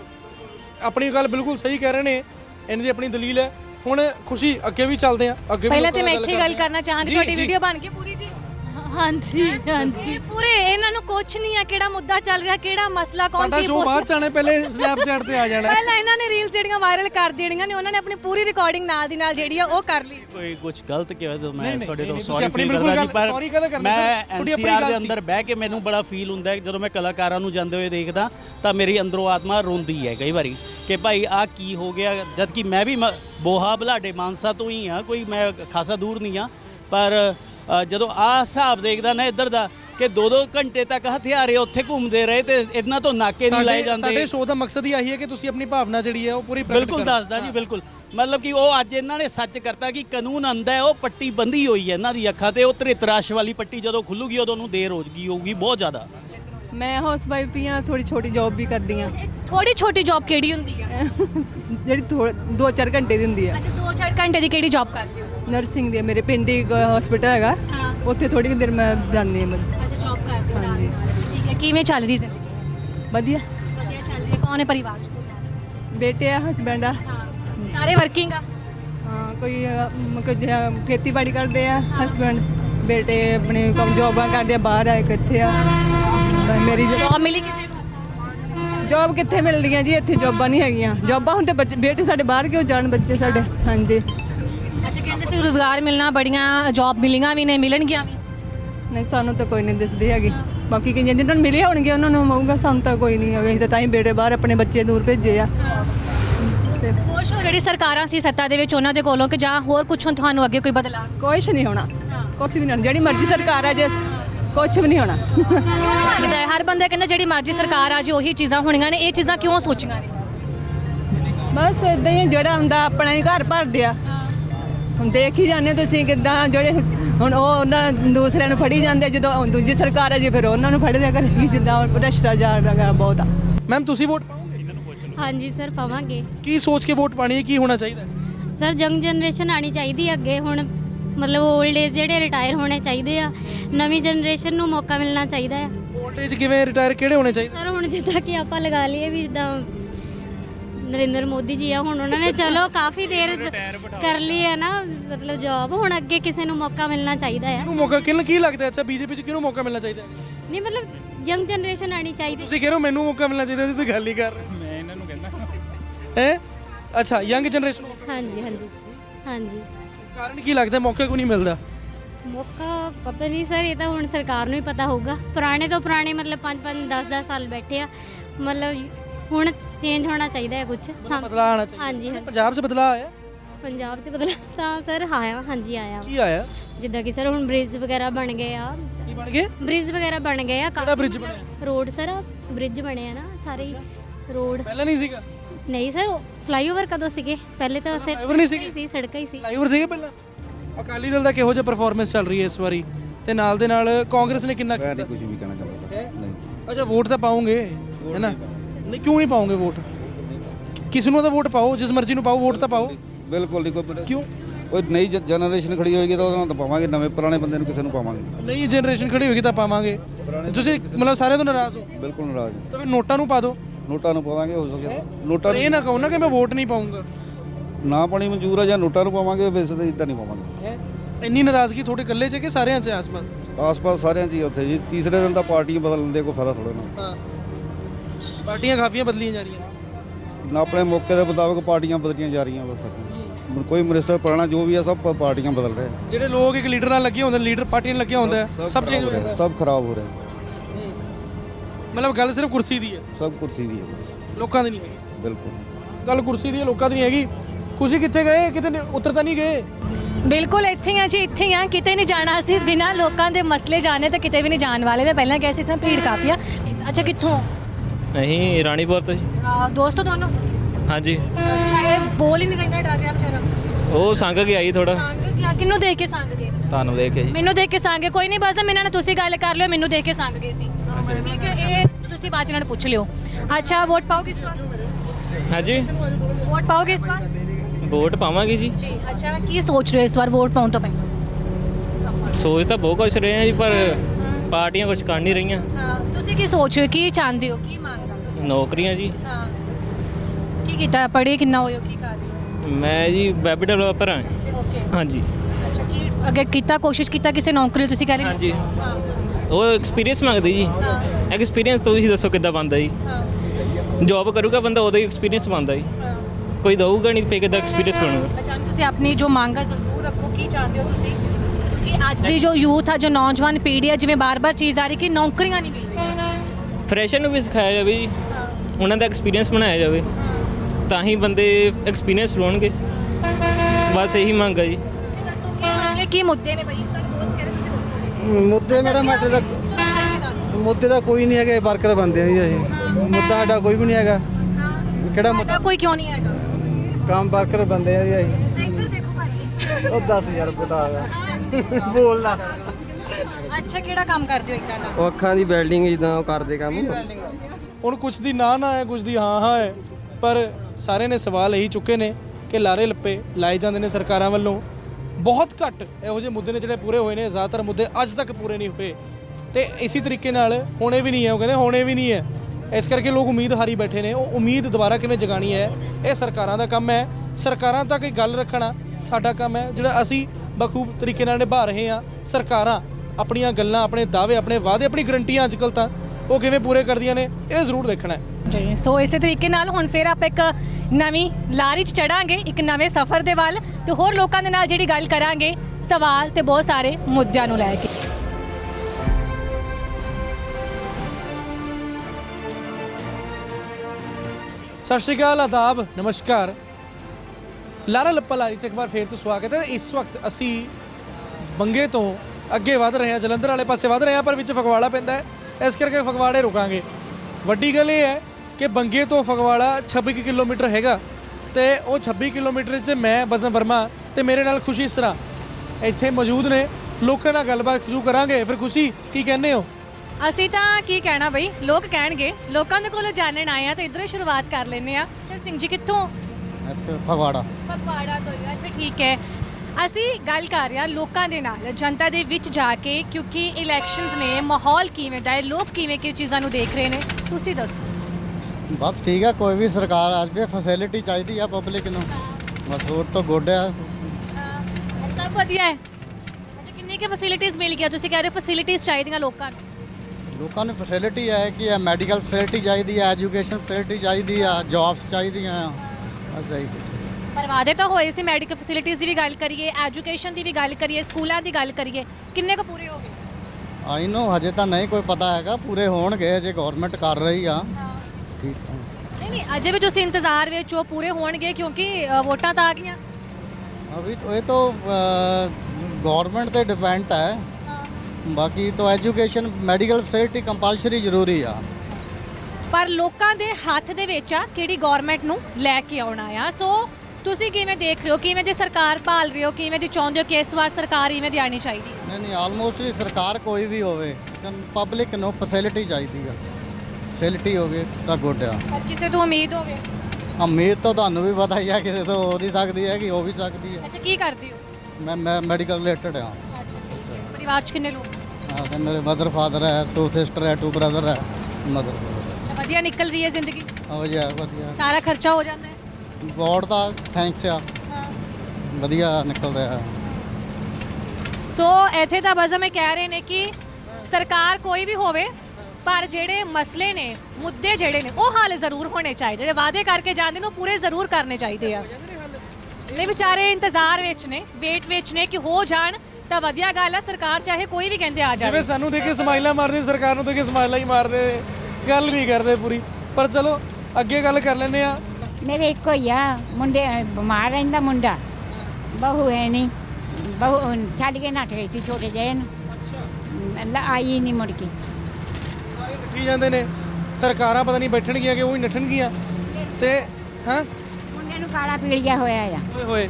Speaker 6: ਆਪਣੀ ਗੱਲ ਬਿਲਕੁਲ ਸਹੀ ਕਹਿ ਰਹੇ ਨੇ, ਇਹਨਾਂ ਦੀ ਆਪਣੀ ਦਲੀਲ ਹੈ। ਹੁਣ ਖੁਸ਼ੀ ਅੱਗੇ ਵੀ ਚੱਲਦੇ ਆ, ਅੱਗੇ ਵੀ
Speaker 7: ਪਹਿਲਾਂ
Speaker 6: ਲੋਕਾਂ
Speaker 7: ਤੇ
Speaker 6: ਨਾਲ
Speaker 7: ਮੈਂ ਇੱਥੇ ਗੱਲ ਕਰਨਾ ਚਾਹਾਂਗੀ,
Speaker 6: ਜੀ,
Speaker 7: ਤੁਹਾਡੀ
Speaker 6: ਜੀ।
Speaker 7: ਵੀਡੀਓ ਬਣ ਕੇ ਪੂਰੀ ਜੀ।
Speaker 10: ਹਾਂਜੀ ਹਾਂਜੀ
Speaker 7: ਪੂਰੇ ਇਹਨਾਂ ਨੂੰ ਕੁਛ ਨਹੀਂ ਆ, ਕਿਹੜਾ ਮੁੱਦਾ ਚੱਲ ਰਿਹਾ, ਕਿਹੜਾ ਮਸਲਾ, ਕੌਣ
Speaker 6: ਸਾਡਾ
Speaker 7: ਕੀ
Speaker 6: ਸ਼ੋਅ ਬਾਅਦ ਚ ਆਣੇ, ਪਹਿਲੇ ਸਨੈਪਚੈਟ ਤੇ ਆ ਜਾਣਾ ਹੈ।
Speaker 7: ਪਹਿਲਾਂ ਇਹਨਾਂ ਨੇ ਰੀਲਸ ਜਿਹੜੀਆਂ ਵਾਇਰਲ ਕਰ ਦੇਣੀਆਂ ਨੇ, ਉਹਨਾਂ ਨੇ ਆਪਣੀ ਪੂਰੀ ਰਿਕਾਰਡਿੰਗ ਨਾਲ ਦੀ ਨਾਲ ਜਿਹੜੀ ਆ ਉਹ ਕਰ ਲਈ।
Speaker 3: ਕੋਈ ਕੁਝ ਗਲਤ ਕਿਹਾ ਤਾਂ ਮੈਂ
Speaker 6: ਨਹੀਂ,
Speaker 3: ਤੁਹਾਡੇ ਤੋਂ
Speaker 6: ਨਹੀਂ,
Speaker 3: ਸੌਰੀ
Speaker 6: ਤੁਸੀਂ ਆਪਣੀ
Speaker 3: ਫੀਲ
Speaker 6: ਬਿਲਕੁਲ
Speaker 3: ਕਰਦਾ ਜੀ,
Speaker 6: ਗੱਲ- sorry ਕਦੇ ਕਰਨੀ
Speaker 3: ਮੈਂ
Speaker 6: ਸਰ, ਤੁਹਾਡੀ ਆਪਣੀ
Speaker 3: NCR
Speaker 6: ਗੱਲ
Speaker 3: ਦੇ
Speaker 6: ਸੀ।
Speaker 3: ਅੰਦਰ ਬਹਿ ਕੇ ਮੈਨੂੰ ਬੜਾ ਫੀਲ ਹੁੰਦਾ ਹੈ ਜਦੋਂ ਮੈਂ ਕਲਾਕਾਰਾਂ ਨੂੰ ਜਾਂਦੇ ਹੋਏ ਦੇਖਦਾ, ਤਾਂ ਮੇਰੀ ਅੰਦਰੋਂ ਆਤਮਾ ਰੋਂਦੀ ਹੈ ਕਈ ਵਾਰੀ ਕਿ ਭਾਈ ਆਹ ਕੀ ਹੋ ਗਿਆ। ਜਦ ਕਿ ਮੈਂ ਵੀ ਬੋਹਾ ਬਲਾਡੇ ਮਾਨਸਾ ਤੋਂ ਹੀ ਹਾਂ, ਕੋਈ ਮੈਂ ਖਾਸਾ ਦੂਰ ਨਹੀਂ ਹਾਂ, ਪਰ ਜਦੋਂ ਆਹ ਹਿਸਾਬ ਦੇਖਦਾ ਨਾ ਇੱਧਰ ਦਾ ਕਿ 2-2 ਘੰਟੇ ਤੱਕ ਹਥਿਆਰੇ ਉੱਥੇ ਘੁੰਮਦੇ ਰਹੇ ਤੇ ਇਹਨਾਂ ਤੋਂ ਨਾਕੇ ਨਹੀਂ ਲਾਏ ਜਾਂਦੇ।
Speaker 6: ਸਾਡੇ ਸ਼ੋਅ ਦਾ ਮਕਸਦ ਹੀ ਆਹੀ ਹੈ ਕਿ ਤੁਸੀਂ ਆਪਣੀ ਭਾਵਨਾ ਜਿਹੜੀ ਹੈ ਉਹ ਪੂਰੀ ਪ੍ਰਗਟ
Speaker 3: ਬਿਲਕੁਲ
Speaker 6: ਕਰੋ।
Speaker 3: ਦੱਸਦਾ ਜੀ, ਬਿਲਕੁਲ। ਮਤਲਬ ਕਿ ਉਹ ਅੱਜ ਇਹਨਾਂ ਨੇ ਸੱਚ ਕਰਤਾ ਕਿ ਕਾਨੂੰਨ ਆਂਦਾ ਹੈ, ਉਹ ਪੱਟੀ ਬੰਦੀ ਹੋਈ ਹੈ ਇਹਨਾਂ ਦੀ ਅੱਖਾਂ ਤੇ। ਉਹ ਧਰਿਤਰਾਸ਼ ਵਾਲੀ ਪੱਟੀ ਜਦੋਂ ਖੁੱਲੂਗੀ ਉਦੋਂ ਨੂੰ ਦੇਰ ਹੋਊਗੀ ਬਹੁਤ ਜ਼ਿਆਦਾ।
Speaker 2: ਮੈਂ ਹਾਊਸ ਵਾਈਫ ਹੀ ਹਾਂ, ਥੋੜੀ ਛੋਟੀ ਜੌਬ ਵੀ ਕਰਦੀ ਹਾਂ।
Speaker 7: ਥੋੜੀ ਛੋਟੀ ਜੌਬ ਕਿਹੜੀ ਹੁੰਦੀ ਹੈ?
Speaker 2: ਜਿਹੜੀ 2-4 ਘੰਟੇ ਦੀ ਹੁੰਦੀ ਹੈ।
Speaker 7: ਅੱਛਾ 2-4 ਘੰਟੇ ਦੀ ਕਿਹੜੀ ਜੌਬ ਕਰਦੇ ਹੋ?
Speaker 2: ਨਰਸਿੰਗ ਦੀ। ਮੇਰੇ ਪਿੰਡ ਹੀ ਹਸਪੀਟਲ ਹੈਗਾ,
Speaker 7: ਹਾਂ।
Speaker 2: ਉੱਥੇ ਥੋੜੀ ਕੁ ਦੇਰ ਮੈਂ ਜਾਂਦੀ ਹਾਂ।
Speaker 7: ਅੱਛਾ ਜੌਬ ਕਰਦੇ ਹੋ ਨਾਲ ਦੀ ਨਾਲ। ਅੱਛਾ, ਠੀਕ ਹੈ। ਕਿਵੇਂ ਚੱਲ ਰਹੀ ਜ਼ਿੰਦਗੀ?
Speaker 2: ਵਧੀਆ
Speaker 7: ਵਧੀਆ ਚੱਲ ਰਹੀ ਹੈ। ਕੌਣ ਹੈ ਪਰਿਵਾਰ 'ਚ?
Speaker 2: ਬੇਟੇ ਆ, ਹਸਬੈਂਡ ਆ।
Speaker 7: ਹਾਂ ਸਾਰੇ ਵਰਕਿੰਗ ਆ?
Speaker 2: ਹਾਂ, ਕੋਈ ਖੇਤੀਬਾੜੀ ਕਰਦੇ ਆ ਹਸਬੈਂਡ। ਬੇਟੇ ਆਪਣੇ ਕੰਮ ਜੌਬਾਂ ਕਰਦੇ ਆ, ਬਾਹਰ ਆ, ਇੱਕ ਇੱਥੇ ਆ। ਮੇਰੀ
Speaker 7: ਜੌਬ ਮਿਲੀ ਕਿਸੇ ਨੂੰ?
Speaker 2: ਜੌਬ ਕਿੱਥੇ ਮਿਲਦੀਆਂ ਜੀ, ਇੱਥੇ ਜੌਬਾਂ ਨਹੀਂ ਹੈਗੀਆਂ। ਜੌਬਾਂ ਹੁਣ ਤੇ ਬੇਟੇ ਸਾਡੇ ਬਾਹਰ ਕਿਉਂ ਜਾਣ, ਬੱਚੇ ਸਾਡੇ। ਹਾਂਜੀ।
Speaker 7: ਅੱਛਾ ਕਹਿੰਦੇ ਸੀ ਰੁਜ਼ਗਾਰ ਮਿਲਣਾ, ਬੜੀਆਂ ਜੌਬ ਮਿਲੀਆਂ ਵੀ ਨੇ, ਮਿਲਣਗੀਆਂ ਵੀ?
Speaker 2: ਨਹੀਂ, ਸਾਨੂੰ ਤਾਂ ਕੋਈ ਨਹੀਂ ਦਿਸਦੀ ਹੈਗੀ। ਬਾਕੀ ਕਈਆਂ ਜਿਹਨਾਂ ਨੂੰ ਮਿਲੇ ਹੋਣਗੇ ਉਹਨਾਂ ਨੂੰ ਹੋਊਗਾ, ਸਾਨੂੰ ਤਾਂ ਕੋਈ ਨਹੀਂ ਹੈਗਾ। ਅਸੀਂ ਤਾਂ ਹੀ ਬੇਟੇ ਬਾਹਰ ਆਪਣੇ ਬੱਚੇ ਦੂਰ ਭੇਜੇ ਆ। ਤੇ
Speaker 7: ਖੁਸ਼ ਹੋ ਜਿਹੜੀ ਸਰਕਾਰਾਂ ਸੀ ਸੱਤਾ ਦੇ ਵਿੱਚ ਉਹਨਾਂ ਦੇ ਕੋਲੋਂ, ਕਿ ਜਾਂ ਹੋਰ ਕੁਛ ਹੁਣ ਤੁਹਾਨੂੰ ਅੱਗੇ ਕੋਈ ਬਦਲਾਅ?
Speaker 2: ਕੁਛ ਨਹੀਂ ਹੋਣਾ, ਕੁਛ ਵੀ ਨਹੀਂ ਹੋਣਾ। ਜਿਹੜੀ ਮਰਜ਼ੀ ਸਰਕਾਰ ਆ ਜੇ, ਕੁਛ ਵੀ ਨਹੀਂ ਹੋਣਾ।
Speaker 7: ਕਿਉਂ ਲੱਗਦਾ ਹੈ? ਹਰ ਬੰਦਾ ਕਹਿੰਦਾ ਜਿਹੜੀ ਮਰਜ਼ੀ ਸਰਕਾਰ ਆ ਜੇ ਉਹੀ ਚੀਜ਼ਾਂ ਹੋਣੀਆਂ ਨੇ। ਇਹ ਚੀਜ਼ਾਂ ਕਿਉਂ ਸੋਚੀਆਂ ਨੇ?
Speaker 2: ਬਸ ਇਦਾਂ ਹੀ, ਜਿਹੜਾ ਹੁੰਦਾ ਆਪਣਾ ਹੀ ਘਰ ਭਰਦੇ ਆ। ਹੁਣ ਦੇਖ ਹੀ ਜਾਂਦੇ ਤੁਸੀਂ ਕਿੱਦਾਂ ਜਿਹੜੇ ਹੁਣ ਉਹ ਉਹਨਾਂ ਦੂਸਰਿਆਂ ਨੂੰ ਫੜੀ ਜਾਂਦੇ, ਜਦੋਂ ਦੂਜੀ ਸਰਕਾਰ ਆ ਜੇ ਫਿਰ ਉਹਨਾਂ ਨੂੰ ਫੜਦਿਆ ਕਰੇਗੀ। ਜਿੱਦਾਂ ਭ੍ਰਿਸ਼ਟਾਚਾਰ ਵਗੈਰਾ ਬਹੁਤ ਆ।
Speaker 6: ਮੈਮ ਤੁਸੀਂ ਵੋਟ ਪਾਓਗੇ?
Speaker 10: ਹਾਂਜੀ ਸਰ ਪਾਵਾਂਗੇ।
Speaker 6: ਕੀ ਸੋਚ ਕੇ ਵੋਟ ਪਾਣੀ ਹੈ, ਕੀ ਹੋਣਾ ਚਾਹੀਦਾ?
Speaker 10: ਸਰ ਯੰਗ ਜਨਰੇਸ਼ਨ ਆਣੀ ਚਾਹੀਦੀ ਹੈ ਅੱਗੇ। ਹੁਣ ਮਤਲਬ 올ਡ ਏਜ ਜਿਹੜੇ ਰਿਟਾਇਰ ਹੋਣੇ ਚਾਹੀਦੇ ਆ, ਨਵੀਂ ਜਨਰੇਸ਼ਨ ਨੂੰ ਮੌਕਾ ਮਿਲਣਾ ਚਾਹੀਦਾ ਹੈ।
Speaker 6: 올ਡ ਏਜ ਕਿਵੇਂ ਰਿਟਾਇਰ ਕਿਹੜੇ ਹੋਣੇ ਚਾਹੀਦੇ?
Speaker 10: ਸਰ ਹੁਣ ਜਿੱਦਾਂ ਕਿ ਆਪਾਂ ਲਗਾ ਲਈਏ ਵੀ ਜਿੱਦਾਂ ਨਰਿੰਦਰ ਮੋਦੀ ਜੀ ਆ, ਹੁਣ ਉਹਨਾਂ ਨੇ ਚਲੋ ਕਾਫੀ ਦੇਰ ਕਰ ਲਈ ਹੈ ਨਾ ਮਤਲਬ ਜੌਬ। ਹੁਣ ਅੱਗੇ ਕਿਸੇ ਨੂੰ ਮੌਕਾ ਮਿਲਣਾ ਚਾਹੀਦਾ ਹੈ।
Speaker 6: ਕਿਹਨੂੰ ਮੌਕਾ ਕੀ ਲੱਗਦਾ? ਅੱਛਾ BJP 'ਚ ਕਿਹਨੂੰ ਮੌਕਾ ਮਿਲਣਾ ਚਾਹੀਦਾ?
Speaker 10: ਨਹੀਂ ਮਤਲਬ ਯੰਗ ਜਨਰੇਸ਼ਨ ਆਣੀ ਚਾਹੀਦੀ।
Speaker 6: ਤੁਸੀਂ ਕਹਿ ਰਹੇ ਹੋ ਮੈਨੂੰ ਮੌਕਾ ਮਿਲਣਾ ਚਾਹੀਦਾ, ਤੁਸੀਂ ਗੱਲ ਹੀ ਕਰ ਰਹੇ ਹੋ।
Speaker 9: मैं इन्होंने कहना
Speaker 6: ਹੈ ਅੱਛਾ ਯੰਗ ਜਨਰੇਸ਼ਨ ਨੂੰ
Speaker 10: ਹਾਂਜੀ ਹਾਂਜੀ ਹਾਂਜੀ।
Speaker 6: ਕਾਰਨ ਕੀ ਲੱਗਦਾ ਮੌਕਾ ਕਿਉਂ ਨਹੀਂ ਮਿਲਦਾ?
Speaker 10: ਮੌਕਾ ਪਤਾ ਨਹੀਂ ਸਰ, ਇਹ ਤਾਂ ਹੁਣ ਸਰਕਾਰ ਨੂੰ ਹੀ ਪਤਾ ਹੋਊਗਾ। ਪੁਰਾਣੇ ਤੋਂ ਪੁਰਾਣੇ ਮਤਲਬ 5-5 10-10 ਸਾਲ ਬੈਠੇ ਆ, ਮਤਲਬ ਹੁਣ ਚੇਂਜ ਹੋਣਾ ਚਾਹੀਦਾ ਹੈ ਕੁਝ।
Speaker 6: ਬਦਲਾਅ ਆਣਾ ਚਾਹੀਦਾ।
Speaker 10: ਹਾਂਜੀ ਹਾਂਜੀ।
Speaker 6: ਪੰਜਾਬ 'ਚ ਬਦਲਾਅ ਆਇਆ?
Speaker 10: ਪੰਜਾਬ 'ਚ ਬਦਲਾ ਤਾਂ ਸਰ ਆਇਆ, ਹਾਂਜੀ ਆਇਆ।
Speaker 6: ਕੀ ਆਇਆ?
Speaker 10: ਜਿੱਦਾਂ ਕਿ ਸਰ ਹੁਣ ਬ੍ਰਿਜ ਵਗੈਰਾ ਬਣ ਗਏ ਆ।
Speaker 6: ਕੀ ਬਣ ਗਏ?
Speaker 10: ਬ੍ਰਿਜ ਵਗੈਰਾ ਬਣ ਗਏ ਆ।
Speaker 6: ਕਿਹੜਾ ਬ੍ਰਿਜ ਬਣਿਆ?
Speaker 10: ਰੋਡ ਸਰ ਬ੍ਰਿਜ ਬਣੇ ਆ ਨਾ ਸਾਰੇ ਰੋਡ।
Speaker 6: ਪਹਿਲਾਂ ਨਹੀਂ ਸੀਗਾ?
Speaker 10: ਨਹੀਂ ਸਰ ਫਲਾਈਓਵਰ ਕਦੋਂ ਸੀਗੇ? ਪਹਿਲੇ ਤਾਂ
Speaker 6: flyover ਨਹੀਂ ਸੀਗੇ?
Speaker 10: ਸੀ, ਸੜਕਾਂ ਹੀ ਸੀ।
Speaker 6: ਫਲਾਈਓਵਰ ਸੀਗੇ ਪਹਿਲਾਂ? ਅਕਾਲੀ ਦਲ ਦਾ ਕਿਹੋ ਜਿਹਾ ਪਰਫਾਰਮੈਂਸ ਚੱਲ ਰਹੀ ਹੈ ਇਸ ਵਾਰੀ, ਤੇ ਨਾਲ ਦੇ ਨਾਲ ਕਾਂਗਰਸ ਨੇ ਕਿੰਨਾ
Speaker 1: ਮੈਂ ਨਹੀਂ ਕੁਝ ਵੀ ਕਹਿਣਾ ਚਾਹੁੰਦਾ ਸਰ। ਨਹੀਂ।
Speaker 6: ਅੱਛਾ ਵੋਟ ਤਾਂ ਪਾਉਂਗੇ ਹੈ ਨਾ? ਨਹੀਂ ਕਿਉਂ ਨਹੀਂ ਪਾਉਂਗੇ ਵੋਟ? ਕਿਸ ਨੂੰ ਤਾਂ ਵੋਟ ਪਾਓ, ਜਿਸ ਮਰਜ਼ੀ ਨੂੰ ਪਾਓ, ਵੋਟ ਤਾਂ ਪਾਓ।
Speaker 1: ਬਿਲਕੁਲ ਨਹੀਂ ਕੋਈ
Speaker 6: ਕਿਉਂ?
Speaker 1: ਕੋਈ ਨਈ ਜਨਰੇਸ਼ਨ ਖੜੀ ਹੋਏਗੀ ਤਾਂ ਉਹਨਾਂ ਨੂੰ ਪਾਵਾਂਗੇ, ਨਵੇਂ ਪੁਰਾਣੇ ਬੰਦੇ ਨੂੰ ਕਿਸੇ ਨੂੰ ਪਾਵਾਂਗੇ।
Speaker 6: ਨਈ ਜਨਰੇਸ਼ਨ ਖੜੀ ਹੋਏਗੀ ਤਾਂ ਪਾਵਾਂਗੇ। ਤੁਸੀਂ ਮਤਲਬ ਸਾਰਿਆਂ ਤੋਂ ਨਾਰਾਜ਼ ਹੋ?
Speaker 1: ਬਿਲਕੁਲ ਨਾਰਾਜ਼
Speaker 6: ਤਾਂ ਫਿਰ ਨੋਟਾਂ ਨੂੰ ਪਾ ਦਿਓ।
Speaker 1: ਨੋਟਾਂ ਨੂੰ ਪਾਵਾਂਗੇ, ਹੋ ਸਕੇ ਨੋਟਾਂ
Speaker 6: ਇਹ ਨਾ ਕਹੋ ਨਾ ਕਿ ਮੈਂ ਵੋਟ ਨਹੀਂ ਪਾਉਂਗਾ।
Speaker 1: ਨਾ ਪਾਣੀ ਮਨਜ਼ੂਰ ਆ ਜਾਂ ਨੋਟਾਂ ਨੂੰ ਪਾਵਾਂਗੇ, ਵੈਸੇ ਤਾਂ ਇਦਾਂ ਨਹੀਂ ਪਾਵਾਂਗੇ।
Speaker 6: ਇੰਨੀ ਨਾਰਾਜ਼ਗੀ ਤੁਹਾਡੇ ਇਕੱਲੇ 'ਚ ਕਿ ਸਾਰਿਆਂ 'ਚ ਆਸ-ਪਾਸ?
Speaker 1: ਆਸ-ਪਾਸ ਸਾਰਿਆਂ 'ਚ ਹੀ ਉੱਥੇ ਜੀ। ਤੀਸਰੇ ਦਿਨ ਤਾਂ ਪਾਰਟੀਆਂ ਬਦਲ ਲੈਂਦੇ, ਕੋਈ ਫਾਇਦਾ ਥੋੜਾ ਨਾ।
Speaker 6: ਹਾਂ, ਪਾਰਟੀਆਂ ਕਾਫੀਆਂ ਬਦਲੀਆਂ ਜਾ ਰਹੀਆਂ ਨੇ।
Speaker 1: ਨਾ ਆਪਣੇ ਮੌਕੇ ਦੇ ਮੁਤਾਬਕ ਪਾਰਟੀਆਂ ਬਦਲੀਆਂ ਜਾ ਰਹੀਆਂ ਬਸ। ਕੋਈ ਮਿਨਿਸਟਰ ਪੁਰਾਣਾ ਜੋ ਵੀ ਆ ਸਭ ਪਾਰਟੀਆਂ ਬਦਲ ਰਹੇ।
Speaker 6: ਜਿਹੜੇ ਲੋਕ ਇੱਕ ਲੀਡਰ ਨਾਲ ਲੱਗੇ ਹੁੰਦੇ ਨੇ, ਲੀਡਰ ਪਾਰਟੀ ਨਾਲ ਲੱਗਿਆ ਹੁੰਦਾ, ਸਭ ਚੇਂਜ ਹੋ ਰਿਹਾ,
Speaker 1: ਸਭ ਖਰਾਬ ਹੋ ਰਿਹਾ।
Speaker 6: ਮਤਲਬ ਗੱਲ ਸਿਰਫ ਕੁਰਸੀ ਦੀ ਹੈ?
Speaker 1: ਸਭ ਕੁਰਸੀ ਦੀ ਹੈ ਬਸ,
Speaker 6: ਲੋਕਾਂ ਦੀ ਨਹੀਂ ਹੈਗੀ।
Speaker 1: ਬਿਲਕੁਲ
Speaker 6: ਗੱਲ ਕੁਰਸੀ ਦੀ ਹੈ, ਲੋਕਾਂ ਦੀ ਨਹੀਂ ਹੈਗੀ। ਖੁਸ਼ੀ ਕਿੱਥੇ ਗਏ? ਕਿਤੇ ਉੱਤਰ ਤਾਂ ਨਹੀਂ ਗਏ?
Speaker 7: ਬਿਲਕੁਲ ਇੱਥੇ ਹੀ ਆ ਜੀ, ਇੱਥੇ ਹੀ ਆ, ਕਿਤੇ ਨਹੀਂ ਜਾਣਾ। ਅਸੀਂ ਬਿਨਾਂ ਲੋਕਾਂ ਦੇ ਮਸਲੇ ਜਾਣੇ ਤਾਂ ਕਿਤੇ ਵੀ ਨਹੀਂ ਜਾਣ ਵਾਲੇ। ਮੈਂ ਪਹਿਲਾਂ ਕਿਹਾ ਸੀ ਇਤਨਾ ਭੀੜ ਕਾਫੀ ਆ। ਅੱਛਾ, ਕਿੱਥੋਂ?
Speaker 11: ਅਸੀਂ ਰਾਣੀਪੁਰ ਤੋਂ ਜੀ।
Speaker 7: ਦੋਸਤੋ ਦੋਨੋਂ?
Speaker 11: ਹਾਂਜੀ।
Speaker 7: ਅੱਛਾ, ਇਹ ਬੋਲ ਹੀ ਨਹੀਂ ਕਰਨਾ, ਡਰ ਗਿਆ ਵਿਚਾਰਾ।
Speaker 11: ਉਹ ਸੰਗ ਕੇ ਆਈ ਥੋੜਾ।
Speaker 7: ਸੰਗ ਗਿਆ? ਕਿਹਨੂੰ ਦੇਖ ਕੇ ਸੰਗ ਗਏ?
Speaker 9: ਤੁਹਾਨੂੰ ਦੇਖ ਕੇ ਜੀ।
Speaker 7: ਮੈਨੂੰ ਦੇਖ ਕੇ ਸੰਗ ਗਏ? ਕੋਈ ਨਹੀਂ, ਬਸ ਮੇਰੇ ਨਾਲ ਤੁਸੀਂ ਗੱਲ ਕਰ ਲਿਓ, ਮੈਨੂੰ ਦੇਖ ਕੇ ਸੰਗ ਗਏ ਸੀ। ਠੀਕ ਹੈ, ਇਹ ਤੁਸੀਂ ਬਾਅਦ ਨਾਲ ਪੁੱਛ ਲਿਓ। ਅੱਛਾ, ਵੋਟ ਪਾਓਗੇ ਇਸ ਵਾਰ?
Speaker 11: ਹਾਂਜੀ,
Speaker 7: ਵੋਟ ਪਾਓਗੇ ਇਸ ਵਾਰ?
Speaker 11: ਵੋਟ ਪਾਵਾਂਗੇ ਜੀ।
Speaker 7: ਜੀ। ਅੱਛਾ, ਕੀ ਸੋਚ ਰਹੇ ਹੋ ਇਸ ਵਾਰ ਵੋਟ ਪਾਉਣ ਤੋਂ ਪਹਿਲਾਂ?
Speaker 11: ਸੋਚ ਤਾਂ ਬਹੁਤ ਕੁਛ ਰਹੇ ਆ ਜੀ, ਪਰ ਪਾਰਟੀਆਂ ਕੁਛ ਕਰ ਨਹੀਂ ਰਹੀਆਂ।
Speaker 7: ਤੁਸੀਂ ਕੀ ਸੋਚ ਰਹੇ ਹੋ, ਕੀ ਚਾਹੁੰਦੇ ਹੋ, ਕੀ ਮੰਗਦਾ?
Speaker 11: ਨੌਕਰੀਆਂ ਜੀ।
Speaker 7: ਹਾਂ, ਕੀ ਕੀਤਾ, ਪੜ੍ਹੇ ਕਿੰਨਾ ਹੋਏ ਹੋ, ਕੀ ਕਰ ਰਹੇ ਹੋ?
Speaker 11: ਮੈਂ ਜੀ ਵੈਬ ਡਿਵੈਲਪਰ ਹਾਂ।
Speaker 7: ਓਕੇ।
Speaker 11: ਹਾਂਜੀ।
Speaker 7: ਅੱਛਾ, ਕੀ ਅਗਰ ਕੀਤਾ, ਕੋਸ਼ਿਸ਼ ਕੀਤਾ ਕਿਸੇ ਨੌਕਰੀ, ਤੁਸੀਂ ਕਹਿ ਰਹੇ?
Speaker 11: ਹਾਂਜੀ। ਉਹ ਐਕਸਪੀਰੀਅੰਸ ਮੰਗਦੀ ਜੀ। ਐਕਸਪੀਰੀਅੰਸ ਤੁਸੀਂ ਦੱਸੋ ਕਿੱਦਾਂ ਬਣਦਾ ਜੀ? ਜੌਬ ਕਰੂਗਾ ਬੰਦਾ, ਉਹਦਾ ਹੀ ਐਕਸਪੀਰੀਅੰਸ ਬਣਦਾ ਜੀ। ਕੋਈ ਦਊਗਾ ਨਹੀਂ, ਪੇ ਕਿੱਦਾਂ ਐਕਸਪੀਰੀਅੰਸ ਬਣੂਗਾ?
Speaker 7: ਅੱਛਾ, ਤੁਸੀਂ ਆਪਣੀ ਜੋ ਮੰਗਾਂ ਜ਼ਰੂਰ ਰੱਖੋ, ਕੀ ਚਾਹੁੰਦੇ ਹੋ ਤੁਸੀਂ? ਕਿਉਂਕਿ ਅੱਜ ਦੀ ਜੋ ਯੂਥ ਆ, ਜੋ ਨੌਜਵਾਨ ਪੀੜ੍ਹੀ ਆ, ਜਿਵੇਂ ਬਾਰ-ਬਾਰ ਚੀਜ਼ ਆ ਰਹੀ ਕਿ ਨੌਕਰੀਆਂ ਨਹੀਂ ਮਿਲ ਰਹੀਆਂ।
Speaker 11: ਫਰੈਸ਼ਰ ਨੂੰ ਵੀ ਸਿਖਾਇਆ ਜਾਵੇ ਜੀ, ਉਹਨਾਂ ਦਾ ਐਕਸਪੀਰੀਅੰਸ ਬਣਾਇਆ ਜਾਵੇ, ਤਾਂ ਹੀ ਬੰਦੇ ਐਕਸਪੀਰੀਅੰਸ ਲਓਣਗੇ। ਬਸ ਇਹੀ ਮੰਗ ਹੈ ਜੀ।
Speaker 7: ਦੱਸੋ ਕੀ ਮਸਲੇ, ਕੀ ਮੁੱਦੇ ਨੇ ਬਈ? ਤੁਹਾਡੇ ਦੋਸਤ ਕਹਿ ਰਹੇ, ਤੁਸੀਂ ਦੱਸੋਗੇ।
Speaker 8: ਮੁੱਦੇ ਮੈਡਮ ਮੁੱਦੇ ਦਾ ਕੋਈ ਨਹੀਂ ਹੈਗਾ, ਵਰਕਰ ਬੰਦੇ ਆ ਜੀ ਅਸੀਂ। ਮੁੱਦਾ ਸਾਡਾ ਕੋਈ ਵੀ ਨਹੀਂ ਹੈਗਾ। ਕਿਹੜਾ ਮੁੱਦਾ?
Speaker 7: ਕੋਈ ਕਿਉਂ ਨਹੀਂ ਹੈਗਾ?
Speaker 8: ਕੰਮ ਵਰਕਰ ਬੰਦੇ ਆ ਜੀ ਅਸੀਂ।
Speaker 7: ਇੱਧਰ ਦੇਖੋ ਭਾਜੀ।
Speaker 8: ਉਹ 10,000 ਰੁਪਏ ਦਾ ਹੈਗਾ ਬੋਲਦਾ।
Speaker 7: ਅੱਛਾ, ਕਿਹੜਾ ਕੰਮ ਕਰਦੇ ਹੋ ਇੱਦਾਂ ਦਾ?
Speaker 8: ਉਹ ਅੱਖਾਂ ਦੀ ਵੈਲਡਿੰਗ ਜਿੱਦਾਂ ਉਹ ਕਰਦੇ ਕੰਮ।
Speaker 6: ਹੁਣ ਕੁਛ ਦੀ ਨਾ ਹੈ, ਕੁਛ ਦੀ ਹਾਂ ਹੈ, ਪਰ ਸਾਰੇ ਨੇ ਸਵਾਲ ਇਹੀ ਚੁੱਕੇ ਨੇ ਕਿ ਲਾਰੇ ਲੱਪੇ ਲਾਏ ਜਾਂਦੇ ਨੇ ਸਰਕਾਰਾਂ ਵੱਲੋਂ। ਬਹੁਤ ਘੱਟ ਇਹੋ ਜਿਹੇ ਮੁੱਦੇ ਨੇ ਜਿਹੜੇ ਪੂਰੇ ਹੋਏ ਨੇ। ਜ਼ਿਆਦਾਤਰ ਮੁੱਦੇ ਅੱਜ ਤੱਕ ਪੂਰੇ ਨਹੀਂ ਹੋਏ ਤੇ ਇਸੇ ਤਰੀਕੇ ਨਾਲ ਹੋਣੇ ਵੀ ਨਹੀਂ ਹੈ। ਉਹ ਕਹਿੰਦੇ ਹੋਣੇ ਵੀ ਨਹੀਂ ਹੈ। ਇਸ ਕਰਕੇ ਲੋਕ ਉਮੀਦ ਹਾਰੀ ਬੈਠੇ ਨੇ। ਉਹ ਉਮੀਦ ਦੁਬਾਰਾ ਕਿਵੇਂ ਜਗਾਣੀ ਹੈ, ਇਹ ਸਰਕਾਰਾਂ ਦਾ ਕੰਮ ਹੈ। ਸਰਕਾਰਾਂ ਤੱਕ ਇਹ ਗੱਲ ਰੱਖਣਾ ਸਾਡਾ ਕੰਮ ਹੈ, ਜਿਹੜਾ ਅਸੀਂ ਬਖੂਬ ਤਰੀਕੇ ਨਾਲ ਨਿਭਾ ਰਹੇ ਹਾਂ। ਸਰਕਾਰਾਂ ਆਪਣੀਆਂ ਗੱਲਾਂ, ਆਪਣੇ ਦਾਅਵੇ, ਆਪਣੇ ਵਾਅਦੇ, ਆਪਣੀ ਗਰੰਟੀਆਂ ਅੱਜ ਕੱਲ੍ਹ ਤਾਂ ਉਹ ਕਿਵੇਂ ਪੂਰੇ ਕਰਦੀਆਂ ਨੇ, ਇਹ ਜ਼ਰੂਰ ਦੇਖਣਾ ਹੈ
Speaker 7: ਜੀ। ਸੋ ਇਸੇ ਤਰੀਕੇ ਨਾਲ ਹੁਣ ਫਿਰ ਆਪਾਂ ਇੱਕ ਨਵੀਂ ਲਾਰੀ 'ਚ ਚੜਾਂਗੇ, ਇੱਕ ਨਵੇਂ ਸਫ਼ਰ ਦੇ ਵੱਲ, ਤੇ ਹੋਰ ਲੋਕਾਂ ਦੇ ਨਾਲ ਜਿਹੜੀ ਗੱਲ ਕਰਾਂਗੇ ਸਵਾਲ ਤੇ ਬਹੁਤ ਸਾਰੇ ਮੁੱਦਿਆਂ ਨੂੰ ਲੈ ਕੇ।
Speaker 6: ਸਤਿ ਸ਼੍ਰੀ ਅਕਾਲ, ਆਦਾਬ, ਨਮਸਕਾਰ। ਲਾਰਾ ਲੱਪਾ ਲਾਰੀ 'ਚ ਇੱਕ ਵਾਰ ਫੇਰ ਤੋਂ ਸਵਾਗਤ ਹੈ। ਇਸ ਵਕਤ ਅਸੀਂ ਬੰਗੇ ਤੋਂ ਅੱਗੇ ਵਧ ਰਹੇ ਹਾਂ, ਜਲੰਧਰ ਵਾਲੇ ਪਾਸੇ ਵਧ ਰਹੇ ਹਾਂ, ਪਰ ਵਿੱਚ ਫਗਵਾੜਾ ਪੈਂਦਾ ਹੈ, ਇਸ ਕਰਕੇ ਫਗਵਾੜੇ ਰੁਕਾਂਗੇ। ਵੱਡੀ ਗੱਲ ਇਹ ਹੈ ਕਿ ਬੰਗੇ ਤੋਂ ਫਗਵਾੜਾ 26 ਕਿਲੋਮੀਟਰ ਹੈਗਾ ਤੇ ਉਹ 26 ਕਿਲੋਮੀਟਰ 'ਚ ਮੈਂ ਬਸਨ ਵਰਮਾ ਤੇ ਮੇਰੇ ਨਾਲ ਖੁਸ਼ੀ ਸਰਾ ਇੱਥੇ ਮੌਜੂਦ ਨੇ। ਲੋਕਾਂ ਨਾਲ ਗੱਲਬਾਤ ਸ਼ੁਰੂ ਕਰਾਂਗੇ। ਫਿਰ ਖੁਸ਼ੀ, ਕੀ ਕਹਿੰਦੇ ਹੋ?
Speaker 7: ਅਸੀਂ ਤਾਂ ਕੀ ਕਹਿਣਾ ਬਈ, ਲੋਕ ਕਹਿਣਗੇ, ਲੋਕਾਂ ਦੇ ਕੋਲੋਂ ਜਾਣਨ ਆਏ ਆ, ਤਾਂ ਇੱਧਰੋਂ ਸ਼ੁਰੂਆਤ ਕਰ ਲੈਂਦੇ ਆ। ਤੇ ਸਿੰਘ ਜੀ ਕਿੱਥੋਂ?
Speaker 1: ਫਗਵਾੜਾ।
Speaker 7: ਫਗਵਾੜਾ ਤੋਂ। ਅੱਛਾ, ਠੀਕ ਹੈ। ਅਸੀਂ ਗੱਲ ਕਰ ਰਹੇ ਹਾਂ ਲੋਕਾਂ ਦੇ ਨਾਲ, ਜਨਤਾ ਦੇ ਵਿੱਚ ਜਾ ਕੇ, ਕਿਉਂਕਿ ਇਲੈਕਸ਼ਨਸ ਨੇ, ਮਾਹੌਲ ਕਿਵੇਂ ਦਾ ਹੈ, ਲੋਕ ਕਿਵੇਂ ਕਿ ਚੀਜ਼ਾਂ ਨੂੰ ਦੇਖ ਰਹੇ ਨੇ, ਤੁਸੀਂ ਦੱਸੋ।
Speaker 1: ਬਸ ਠੀਕ ਹੈ, ਕੋਈ ਵੀ ਸਰਕਾਰ ਆ ਜਾਵੇ, ਫੈਸਿਲਿਟੀ ਚਾਹੀਦੀ ਆ ਪਬਲਿਕ ਨੂੰ, ਬਸ ਹੋਰ ਤਾਂ ਗੋਡਿਆ।
Speaker 7: ਸਭ ਵਧੀਆ ਹੈ। ਅੱਛਾ, ਕਿੰਨੀ ਕਿ ਫੈਸਿਲਿਟੀਜ਼ ਮਿਲ ਗਿਆ? ਤੁਸੀਂ ਕਹਿ ਰਹੇ ਹੋ ਫੈਸਿਲਿਟੀਜ਼ ਚਾਹੀਦੀਆਂ ਲੋਕਾਂ ਨੂੰ।
Speaker 1: ਲੋਕਾਂ ਨੂੰ ਫੈਸਿਲਿਟੀ ਹੈ ਕਿ ਮੈਡੀਕਲ ਫੈਸਿਲਿਟੀ ਚਾਹੀਦੀ ਹੈ, ਐਜੂਕੇਸ਼ਨ ਫੈਸਿਲਿਟੀ ਚਾਹੀਦੀ ਆ, ਜੌਬਸ ਚਾਹੀਦੀਆਂ ਆ, ਬਸ ਇਹੀ।
Speaker 7: ਪਰ ਵਾਅਦੇ ਤਾਂ ਹੋਏ ਸੀ, ਮੈਡੀਕਲ ਫੈਸਿਲਿਟੀਜ਼ ਦੀ ਵੀ ਗੱਲ ਕਰੀਏ, ਐਜੂਕੇਸ਼ਨ ਦੀ ਵੀ ਗੱਲ ਕਰੀਏ, ਸਕੂਲਾਂ ਦੀ ਗੱਲ ਕਰੀਏ, ਕਿੰਨੇ ਕੁ ਪੂਰੇ ਹੋ ਗਏ?
Speaker 1: ਆਈ ਨੋ ਹਜੇ ਤਾਂ ਨਹੀਂ ਕੋਈ ਪਤਾ ਹੈਗਾ, ਪੂਰੇ ਹੋਣਗੇ, ਹਜੇ ਗਵਰਨਮੈਂਟ ਕਰ ਰਹੀ ਆ। ਠੀਕ ਹੈ।
Speaker 7: ਨਹੀਂ, ਅਜੇ ਵੀ ਤੁਸੀਂ ਇੰਤਜ਼ਾਰ ਵਿੱਚ ਹੋ, ਪੂਰੇ ਹੋਣਗੇ, ਕਿਉਂਕਿ ਵੋਟਾਂ ਤਾਂ ਆ ਗਈਆਂ।
Speaker 1: अभी तो ये तो गवर्नमेंट पे डिपेंड है। बाकी तो एजुकेशन मेडिकल फैसिलिटी कंपलसरी ਜ਼ਰੂਰੀ ਆ।
Speaker 7: ਪਰ ਲੋਕਾਂ ਦੇ ਹੱਥ ਦੇ ਵਿੱਚ ਆ ਕਿਹੜੀ ਗਵਰਨਮੈਂਟ ਨੂੰ ਲੈ ਕੇ ਆਉਣਾ ਆ। ਸੋ ਤੁਸੀਂ ਕਿਵੇਂ ਦੇਖ ਰਹੇ ਹੋ, ਕਿਵੇਂ ਦੀ ਸਰਕਾਰ ਭਾਲ ਰਹੇ ਹੋ, ਕਿਵੇਂ ਦੀ ਚਾਹੁੰਦੇ ਹੋ ਕਿ ਇਸ ਵਾਰ ਸਰਕਾਰ ਇਵੇਂ ਦੀ ਆਣੀ ਚਾਹੀਦੀ ਹੈ?
Speaker 1: ਨਹੀਂ ਆਲਮੋਸਟ ਸਰਕਾਰ ਕੋਈ ਵੀ ਹੋਵੇ, ਪਬਲਿਕ ਨੂੰ ਫੈਸਿਲਿਟੀ ਚਾਹੀਦੀ ਆ। ਫੈਸਿਲਿਟੀ ਹੋਵੇ ਤਾਂ ਗੁੱਡ ਆ।
Speaker 7: ਪਰ ਕਿਸੇ ਤੋਂ ਉਮੀਦ ਹੋਵੇ?
Speaker 1: ਉਮੀਦ ਤਾਂ ਤੁਹਾਨੂੰ ਵੀ ਪਤਾ ਹੀ ਹੈ, ਕਿਸੇ ਤੋਂ ਹੋ ਨਹੀਂ ਸਕਦੀ ਹੈ, ਕਿ ਹੋ ਵੀ ਸਕਦੀ ਹੈ।
Speaker 7: ਅੱਛਾ ਕੀ ਕਰਦੇ ਹੋ?
Speaker 1: ਮੈਂ ਮੈਡੀਕਲ ਰਿਲੇਟਡ ਹਾਂ।
Speaker 7: ਅੱਛਾ ਠੀਕ ਹੈ। ਪਰਿਵਾਰ 'ਚ ਕਿੰਨੇ ਲੋਕ?
Speaker 1: ਹਾਂ, ਤੇ ਮੇਰੇ ਮਦਰ ਫਾਦਰ ਹੈ, 2 ਸਿਸਟਰ ਹੈ, 2 ਬ੍ਰਦਰ ਹੈ। ਮਦਰ
Speaker 7: ਅੱਛਾ, ਵਧੀਆ ਨਿਕਲ ਰਹੀ ਹੈ ਜ਼ਿੰਦਗੀ?
Speaker 1: ਵਧੀਆ ਵਧੀਆ।
Speaker 7: ਸਾਰਾ ਖਰਚਾ ਹੋ ਜਾਂਦਾ ਹੈ?
Speaker 1: ਗੋਡ ਦਾ ਥੈਂਕਸ ਆ, ਵਧੀਆ ਨਿਕਲ ਰਿਹਾ ਹੈ।
Speaker 7: ਸੋ ਇੱਥੇ ਤਾਂ ਬਸ ਮੈਂ ਕਹਿ ਰਹੇ ਨੇ ਕਿ ਸਰਕਾਰ ਕੋਈ ਵੀ ਹੋਵੇ, ਪਰ ਜਿਹੜੇ ਮਸਲੇ ਨੇ, ਮੁੱਦੇ ਜਿਹੜੇ ਨੇ, ਉਹ ਹੱਲ ਜ਼ਰੂਰ ਹੋਣੇ ਚਾਹੀਦੇ। ਜਿਹੜੇ ਵਾਅਦੇ ਕਰਕੇ ਜਾਂਦੇ ਨੇ ਉਹ ਪੂਰੇ ਜ਼ਰੂਰ ਕਰਨੇ ਚਾਹੀਦੇ ਆ। ਨਹੀਂ ਵਿਚਾਰੇ ਇੰਤਜ਼ਾਰ ਵਿੱਚ ਨੇ, ਵੇਟ ਵਿੱਚ ਨੇ ਕਿ ਹੋ ਜਾਣ ਤਾਂ ਵਧੀਆ ਗੱਲ ਹੈ। ਸਰਕਾਰ ਚਾਹੇ ਕੋਈ ਵੀ ਕਹਿੰਦੇ ਆ ਜਾਵੇ।
Speaker 6: ਜਿਵੇਂ ਸਾਨੂੰ ਦੇਖ ਕੇ ਸਮਾਈਲਾਂ ਮਾਰਦੇ, ਸਰਕਾਰ ਨੂੰ ਦੇਖ ਕੇ ਸਮਾਈਲਾਂ ਹੀ ਮਾਰਦੇ, ਗੱਲ ਨਹੀਂ ਕਰਦੇ ਪੂਰੀ। ਪਰ ਚਲੋ ਅੱਗੇ ਗੱਲ ਕਰ ਲੈਂਦੇ ਆ।
Speaker 12: ਮੇਰੇ ਇੱਕੋ ਹੀ ਆ ਮੁੰਡੇ, ਬਿਮਾਰ ਰਹਿੰਦਾ ਮੁੰਡਾ, ਬਹੂ ਹੈ ਨਹੀਂ, ਬਹੂ ਛੱਡ ਕੇ ਨੱਠ ਗਈ ਸੀ ਛੋਟੇ ਜਿਹੇ ਨੂੰ। ਆਈ ਨਹੀਂ ਮੁੜ ਕੇ।
Speaker 6: ਨੱਠੀ ਜਾਂਦੇ ਨੇ ਸਰਕਾਰਾਂ, ਪਤਾ ਨਹੀਂ ਬੈਠਣਗੀਆਂ ਕਿ ਉਹ ਹੀ ਨੱਠਣਗੀਆਂ। ਤੇ ਹਾਂ
Speaker 12: ਮੁੰਡੇ ਨੂੰ ਕਾਲਾ ਪੀਲੀਆ ਹੋਇਆ ਆ,
Speaker 6: ਹੋਏ ਹੋਏ